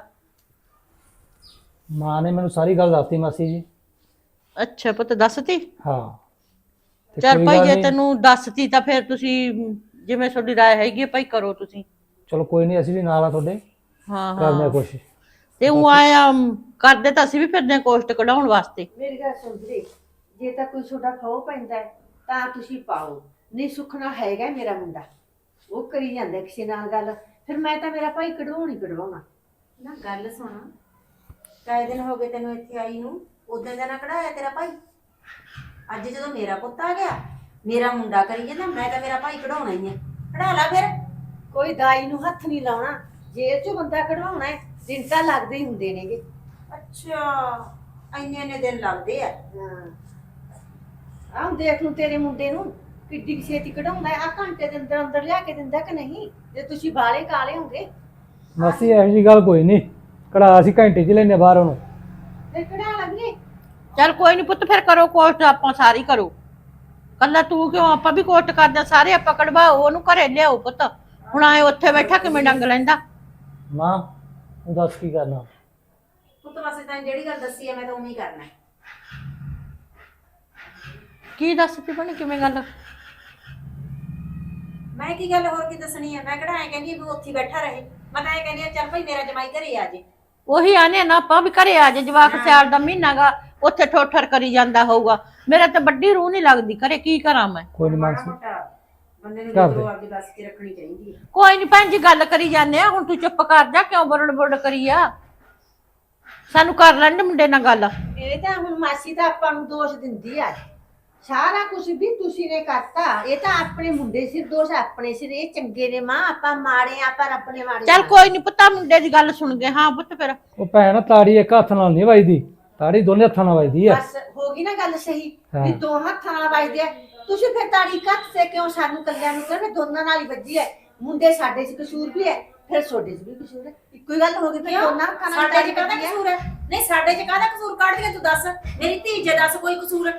S3: ਮਾਂ ਨੇ ਮੈਨੂੰ ਸਾਰੀ ਗੱਲ ਦੱਸਤੀ ਮਾਸੀ ਜੀ।
S7: ਅੱਛਾ ਪੁੱਤ ਦੱਸਤੀ?
S3: ਹਾਂ ਤੇ
S7: ਚੱਲ
S3: ਕੋਈ
S7: ਭਾਈ
S3: ਗੱਲ
S7: ਜੇ
S3: ਨੀ,
S7: ਤੈਨੂੰ ਦੱਸਤੀ ਤਾਂ ਫਿਰ ਤੁਸੀਂ ਜਿਵੇਂ ਤੁਹਾਡੀ ਰਾਏ ਹੈਗੀ ਹੈ ਭਾਈ ਕਰੋ ਤੁਸੀਂ।
S3: ਚਲੋ ਕੋਈ ਨਹੀਂ, ਅਸੀਂ ਵੀ ਨਾਲ ਆ ਤੁਹਾਡੇ,
S7: ਹਾਂ
S3: ਕਰਦੇ ਆ
S7: ਹਾਂ
S3: ਕੋਸ਼ਿਸ਼।
S7: ਤੇ ਉਹ ਆਇਆ ਕਰਦੇ ਤਾਂ ਅਸੀਂ ਵੀ ਫਿਰਦੇ ਹਾਂ ਕੋਸ਼ਟ ਕਢਾਉਣ ਵਾਸਤੇ।
S6: ਮੇਰੀ ਗੱਲ ਸੁਣ ਵੀਰੇ, ਜੇ ਤਾਂ ਕੋਈ ਤੁਹਾਡਾ ਖੋ ਪੈਂਦਾ ਹੈ ਤਾਂ ਤੁਸੀਂ ਪਾਓ, ਨਹੀਂ ਸੁਖਣਾ ਹੈਗਾ ਮੇਰਾ ਮੁੰਡਾ, ਉਹ ਕਰੀ ਜਾਂਦਾ ਕਿਸੇ ਨਾਲ ਗੱਲ, ਫਿਰ ਮੈਂ ਤਾਂ ਮੇਰਾ ਭਾਈ ਕਢਵਾਉਣੀ ਕਢਵਾਉਣਾ।
S8: ਨਾ ਗੱਲ ਸੁਣ, ਕਾਇ ਦਿਨ ਹੋ ਗਏ ਤੈਨੂੰ ਇੱਥੇ ਆਈ ਨੂੰ, ਉਦੋਂ ਦਾ ਨਾ ਕਢਾਇਆ ਤੇਰਾ ਭਾਈ। ਅੱਜ ਜਦੋਂ ਮੇਰਾ ਪੁੱਤ ਆ ਗਿਆ, ਮੇਰਾ ਮੁੰਡਾ ਕਰੀ ਜਾਂਦਾ, ਮੈਂ ਤਾਂ ਮੇਰਾ ਭਾਈ ਕਢਾਉਣਾ ਹੀ ਹੈ। ਕਢਾ ਲਾ ਫਿਰ।
S6: ਕੋਈ ਦਾਈ ਨੂੰ ਹੱਥ ਨਹੀਂ ਲਾਉਣਾ, ਜੇਲ੍ਹ ਚੋਂ ਬੰਦਾ ਕਢਵਾਉਣਾ ਹੈ, ਦਿਨ ਤਾਂ ਲੱਗਦੇ ਹੀ ਹੁੰਦੇ ਨੇਗੇ।
S8: ਅੱਛਾ ਇੰਨੇ ਦਿਨ ਲੱਗਦੇ ਆ।
S6: ਆਹ ਦੇਖ ਲੂ ਤੇਰੇ ਮੁੰਡੇ ਨੂੰ ਕਿੱਡੀ ਕੁ ਛੇਤੀ ਕਢਾਉਂਦਾ ਆ ਘੰਟੇ ਦੇ ਅੰਦਰ ਅੰਦਰ ਲਿਆ ਕੇ ਦਿੰਦਾ ਕਿ ਨਹੀਂ ਜੇ ਤੁਸੀਂ ਬਾਲੇ ਕਾਲੇ ਹੋਗੇ
S9: ਮਾਸੀ ਇਹੋ ਜਿਹੀ ਗੱਲ ਕੋਈ ਨਹੀਂ, ਕਢਾ ਅਸੀਂ ਘੰਟੇ 'ਚ ਲੈਨੇ ਬਾਹਰ ਉਹਨੂੰ।
S6: ਫਿਰ ਕਢਾ ਲੱਗੇ।
S7: ਚੱਲ ਕੋਈ ਨਹੀਂ ਪੁੱਤ, ਫਿਰ ਕਰੋ ਕੋਸ਼ਟ, ਆਪਾਂ ਸਾਰੀ ਕਰੋ। ਕੱਲਾ ਤੂੰ ਕਿਉਂ, ਆਪਾਂ ਵੀ ਕੋਸ਼ਟ ਕਰਦੇ ਆਂ, ਸਾਰੇ ਆਪਾਂ ਕਢਵਾਓ, ਉਹਨੂੰ ਘਰੇ ਲਿਆਓ ਪੁੱਤ। ਹੁਣ ਆਏ ਉੱਥੇ ਬੈਠਾ ਕਿਵੇਂ ਡੰਗ ਲੈਂਦਾ।
S9: ਮਾਂ ਤੂੰ ਦੱਸ ਕੀ ਕਰਨਾ?
S8: ਪੁੱਤ ਵਾਸਤੇ ਤਾਂ ਜਿਹੜੀ ਗੱਲ ਦੱਸੀ ਆ ਮੈਂ ਤਾਂ ਉਵੇਂ ਹੀ ਕਰਨਾ।
S7: ਕੀ ਦੱਸ ਪਈ ਬਣੀ, ਕਿਵੇਂ ਗੱਲ?
S8: ਮੈਂ ਕੀ ਗੱਲ ਹੋਰ ਕੀ ਦੱਸਣੀ ਆ? ਮੈਂ ਕਿਹੜਾ ਐ ਕਹਿੰਦੀ ਵੀ ਉੱਥੇ ਹੀ ਬੈਠਾ ਰਹੇ। ਮੈਂ ਤਾਂ ਐ ਕਹਿੰਦੀ ਆ ਚੱਲ ਭਾਈ ਮੇਰਾ ਜਮਾਈ ਘਰੇ ਆ ਜੇ।
S7: ਉਹੀ ਆਨੇ ਨਾ, ਆਪਾਂ ਵੀ ਘਰੇ ਆ ਜੇ। ਜਵਾਕ ਸਿਆਲ ਦਾ ਮਹੀਨਾ ਗਾ, ਉੱਥੇ ਠੋਠਰ ਕਰੀ ਜਾਂਦਾ ਹੋਊਗਾ। ਮੇਰਾ ਤਾਂ ਵੱਡੀ ਰੂਹ ਨਹੀਂ ਲੱਗਦੀ ਘਰੇ, ਕੀ ਕਰਾਂ ਮੈਂ?
S9: ਕੋਈ ਨਹੀਂ
S8: ਮਾੜਾ
S9: ਮਾਸੀ,
S8: ਮੋਟਾ ਬੰਦੇ ਨੂੰ
S9: ਕਰ ਦੇ।
S8: ਜਦੋਂ ਆਪਦੀ ਬਸ ਚ ਰੱਖਣੀ ਚਾਹੀਦੀ ਹੈ।
S7: ਕੋਈ ਨਹੀਂ ਭੈਣ ਜੀ, ਗੱਲ ਕਰੀ ਜਾਂਦੇ ਆ। ਹੁਣ ਤੂੰ ਚੁੱਪ ਕਰ ਜਾ, ਕਿਉਂ ਬਰੜ ਬਰੜ ਕਰੀ ਆ? ਸਾਨੂੰ ਕਰ ਲੈਣ ਦੇ ਮੁੰਡੇ ਨਾਲ ਗੱਲ।
S6: ਇਹ ਤਾਂ ਹੁਣ ਮਾਸੀ ਤਾਂ ਆਪਾਂ ਨੂੰ ਦੋਸ਼ ਦਿੰਦੀ ਆ ਸਾਰਾ ਕੁਝ ਵੀ ਤੁਸੀਂ ਨੇ ਕਰਤਾ। ਇਹ ਤਾਂ ਆਪਣੇ ਮੁੰਡੇ ਸਿਰ ਦੋਸ਼ ਆਪਣੇ ਸਿਰ। ਇਹ ਚੰਗੇ ਨੇ ਮਾਂ, ਆਪਾਂ ਮਾੜੇ ਆ ਪਰ ਆਪਣੇ ਮਾੜੇ।
S7: ਚੱਲ ਕੋਈ ਨਹੀਂ ਪੁੱਤਾ, ਮੁੰਡੇ ਦੀ ਗੱਲ ਸੁਣ ਗਏ। ਹਾਂ ਪੁੱਤ ਫਿਰ
S9: ਉਹ ਭੈਣ ਤਾੜੀ ਇੱਕ ਹੱਥ ਨਾਲ ਨਹੀਂ ਵੱਜਦੀ, ਤਾੜੀ ਦੋਨੇ ਹੱਥਾਂ ਨਾਲ ਵੱਜਦੀ ਆ।
S6: ਬਸ ਹੋ ਗਈ ਨਾ ਗੱਲ ਸਹੀ
S9: ਹਾਂ।
S6: ਵੀ ਦੋ ਹੱਥਾਂ ਨਾਲ ਵੱਜਦੇ ਆ। ਤੁਸੀਂ ਫਿਰ ਤਾੜੀ ਕੱਟ ਸੇ ਕਿਉਂ ਸਾਨੂੰ ਕੱਲਿਆਂ ਨੂੰ ਕਹਿੰਦੇ? ਦੋਨਾਂ ਨਾਲ ਹੀ ਵੱਜੀ ਹੈ। ਮੁੰਡੇ ਸਾਡੇ 'ਚ ਕਸੂਰ ਵੀ ਹੈ, ਫਿਰ ਤੁਹਾਡੇ 'ਚ ਵੀ ਕਸੂਰ ਹੈ। ਇੱਕੋ ਹੀ ਗੱਲ ਹੋ ਗਈ ਫਿਰ
S8: ਕਿਉਂ?
S6: ਦੋਨਾਂ ਹੱਥਾਂ ਨਾਲ
S8: ਸਾਡੇ
S6: ਤਾੜੀ
S8: ਚ ਕਾਹਦਾ
S6: ਵੱਜੀ ਹੈ।
S8: ਕਸੂਰ ਹੈ? ਨਹੀਂ ਸਾਡੇ ਚ ਕਾਹਦਾ ਕਸੂਰ ਕੱਢ ਦੇ ਤੂੰ ਦੱਸ। ਮੇਰੀ ਧੀ ਜੇ ਦੱਸ ਕੋਈ ਕਸੂਰ।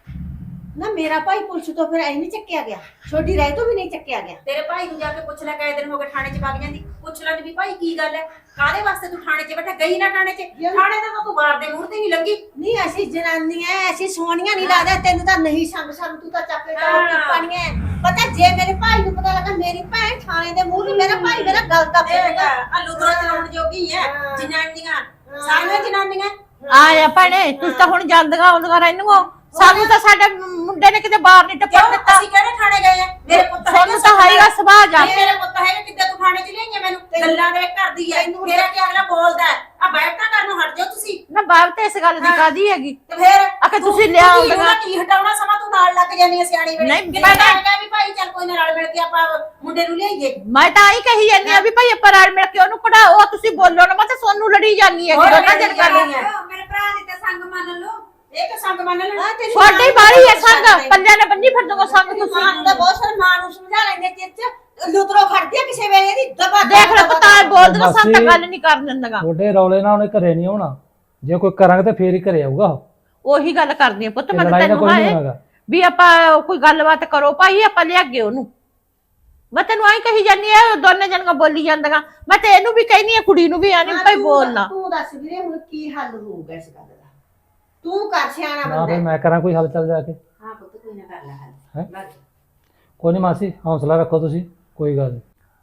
S6: ਨਾ ਮੇਰਾ ਭਾਈ ਪੁਲਿਸ ਤੋਂ ਫਿਰ ਐ ਨਹੀਂ ਚੱਕਿਆ ਗਿਆ, ਛੋਟੀ ਰਹਿ ਤੋਂ ਵੀ ਨਹੀਂ ਚੱਕਿਆ ਗਿਆ।
S8: ਤੇਰੇ ਭਾਈ ਨੂੰ ਜਾ ਕੇ ਪੁੱਛ ਲੈ, ਕਈ ਦਿਨ ਹੋ ਗਏ ਥਾਣੇ 'ਚ ਵਗ ਜਾਂਦੀ। ਪੁੱਛ ਲੈ ਵੀ ਭਾਈ ਕੀ ਗੱਲ ਹੈ, ਕਾਹਦੇ ਵਾਸਤੇ ਤੂੰ ਥਾਣੇ 'ਚ ਬੈਠਾ? ਗਈ ਨਾ ਥਾਣੇ 'ਚ? ਥਾਣੇ ਦਾ ਤਾਂ ਤੂੰ ਬਾਰ ਦੇ ਮੂਹਰ ਤੇ ਨਹੀਂ ਲੱਗੀ।
S6: ਨਹੀਂ ਅਸੀਂ ਜਨਾਨੀਆਂ ਅਸੀਂ ਸੋਹਣੀਆਂ ਨਹੀਂ ਲੱਗਦਾ ਤੈਨੂੰ ਤਾਂ ਨਹੀਂ ਸਾਨੂੰ ਤੂੰ ਤਾਂ ਚੱਕ ਕੇ ਟੋਕੀ ਪਾਣੀਆਂ। ਪਤਾ ਜੇ ਮੇਰੇ ਭਾਈ ਨੂੰ ਪਤਾ ਲੱਗਾ ਮੇਰੀ ਭੈਣ ਥਾਣੇ ਦੇ ਮੂਹਰੇ, ਮੇਰਾ ਭਾਈ ਮੇਰਾ ਗੱਲ ਦਾ
S8: ਦੇਗਾ ਆਲੂ ਦਰਾ ਚਲਾਉਣ ਜੋਗੀ ਹੈ ਜਨਾਨੀਆਂ, ਸਾਰੀਆਂ ਜਨਾਨੀਆਂ।
S7: ਆਇਆ ਭੈਣੇ, ਤੁਸੀਂ ਤਾਂ ਹੁਣ ਜਾਂਦੀਆਂ ਆਉਂਦੀਆਂ ਰਹਿੰਦੀਆਂ। ਸਾਨੂੰ ਤਾਂ ਸਾਡੇ ਮੁੰਡੇ ਨੇ ਕਿਤੇ ਬਾਹਰ ਨਹੀਂ ਟੱਪਣ ਦਿੱਤਾ।
S8: ਅਸੀਂ ਕਿਹੜੇ ਥਾਣੇ ਗਏ ਆ? ਮੇਰੇ ਪੁੱਤ
S7: ਸਾਨੂੰ ਤਾਂ ਹੈਗਾ ਸੁਭਾਅ ਜਾ।
S8: ਮੇਰੇ ਪੁੱਤ ਹੈਗਾ, ਕਿੱਦਾਂ ਤੂੰ ਥਾਣੇ 'ਚ ਲਿਆਈਆਂ ਮੈਨੂੰ? ਗੱਲਾਂ ਦੇ ਕਰਦੀ ਐ। ਮੇਰਾ ਕੀ ਅਗਲਾ ਬੋਲਦਾ ਆ? ਬੈਠਾ ਕਰਨ ਨੂੰ ਹਟ ਜਾਓ ਤੁਸੀਂ।
S7: ਨਾ ਬਾਪ ਤੇ ਇਸ ਗੱਲ ਦੀ ਕਾਦੀ ਹੈਗੀ?
S8: ਤੇ ਫੇਰ
S7: ਆਖੇ ਤੁਸੀਂ ਲਿਆ ਆਉਂਦੀਆਂ।
S8: ਕੀ ਹਟਾਉਣਾ ਸਮਾਂ? ਤੂੰ ਨਾਲ ਲੱਗ ਜਾਨੀ ਐ ਸਿਆਣੀ ਵੇਲੇ।
S7: ਨਹੀਂ,
S8: ਮੈਂ ਤਾਂ ਕਹਿੰਦਾ ਵੀ ਭਾਈ ਚੱਲ ਕੋਈ ਨਾ ਰਲ ਮਿਲ ਕੇ ਆਪਾਂ ਮੁੰਡੇ ਨੂੰ ਲਿਆਈਏ।
S7: ਮੈਂ ਤਾਂ ਆਹੀ ਕਹੀ ਜਾਂਦੀ ਆ ਵੀ ਭਾਈ ਆਪਾਂ ਰਲ ਮਿਲ ਕੇ ਉਹਨੂੰ ਕਢਾਓ। ਤੁਸੀਂ ਬੋਲੋ ਨਾ, ਮੈਂ ਤਾਂ ਸੋਨੂੰ ਲੜੀ ਜਾਂਦੀ ਹੈ ਦੋਨਾਂ ਜਣ ਕਰ ਰਹੀ ਹੈ।
S8: ਮੇਰੇ ਭਰਾ ਦੀ ਤਾਂ ਸੰਗ ਮੰਨ ਲਓ। ਇਹ ਤਾਂ ਸੰਗ ਮੰਨ ਲੈਣਾ।
S7: ਛੋਟੀ ਬਾਰੀ ਹੈ ਸੰਗ, ਪੱਲਿਆਂ ਨੇ ਬੰਨੀ ਫਿਰ ਦੋ ਸੰਗ ਤੁਸੀਂ।
S6: ਮਾਂ ਨੂੰ ਤਾਂ ਬਹੁਤ ਸਾਰ ਮਾਂ ਨੂੰ ਸਮਝਾ ਲੈਂਦੇ ਚਿਰ ਚ ਲੁਤਰੋ ਖੜਦੀ ਆ ਕਿਸੇ ਵੇਲੇ ਦੀ ਦਬਾ
S7: ਦੇਖ ਲੈ ਪਤਾ ਬੋਲਦਾ ਸਾਨੂੰ ਤਾਂ ਗੱਲ ਨਹੀਂ ਕਰਨ ਦਿੰਦਾ।
S9: ਛੋਟੇ ਰੌਲੇ ਨਾਲ ਉਹਨੇ ਘਰੇ ਨਹੀਂ ਆਉਣਾ, ਜੇ ਕੋਈ ਕਰਾਂਗੇ ਤਾਂ ਫੇਰ ਹੀ ਘਰੇ ਆਊਗਾ।
S7: ਉਹੀ ਗੱਲ ਕਰਦੀ ਆ ਪੁੱਤ, ਮੈਂ
S9: ਲੜਾਈ ਦਾ
S7: ਤੈਨੂੰ
S9: ਕੋਈ ਨਹੀਂ
S7: ਆਏ
S9: ਹੋਣਾ।
S7: ਵੀ ਆਪਾਂ ਕੋਈ ਗੱਲਬਾਤ ਕਰੋ ਭਾਈ, ਆਪਾਂ ਲਿਆਗੇ ਉਹਨੂੰ। ਮੈਂ ਤੈਨੂੰ ਆਈ ਕਹੀ ਜਾਂਦੀ ਆ, ਦੋਨੇ ਜਣੀਆਂ ਬੋਲੀ ਜਾਂਦੀਆਂ। ਮੈਂ ਤੇ ਇਹਨੂੰ ਵੀ ਕਹਿਨੀ ਆ, ਕੁੜੀ ਨੂੰ ਵੀ ਆਣੀ ਭਾਈ ਬੋਲਣਾ।
S6: ਤੂੰ ਦੱਸ ਵੀਰੇ ਹੁਣ ਕੀ ਹੱਲ ਹੋਊਗਾ ਇਸ ਗੱਲ ਦਾ? ਤੂੰ ਕਰ ਸਿਆਣਾ
S9: ਨਾ
S6: ਬੰਦਾ
S9: ਫਿਰ ਮੈਂ ਕਰਾਂ ਕੋਈ ਹੱਲ ਚੱਲ ਜਾ ਕੇ।
S8: ਹਾਂ ਪੁੱਤ ਕੋਈ ਨਾ ਕਰ ਲੈ
S9: ਹੈਂ?
S8: ਹੱਲ।
S9: ਕੋਈ ਨਹੀਂ ਮਾਸੀ, ਹੌਸਲਾ ਰੱਖੋ ਤੁਸੀਂ, ਕੋਈ ਗੱਲ ਨਹੀਂ।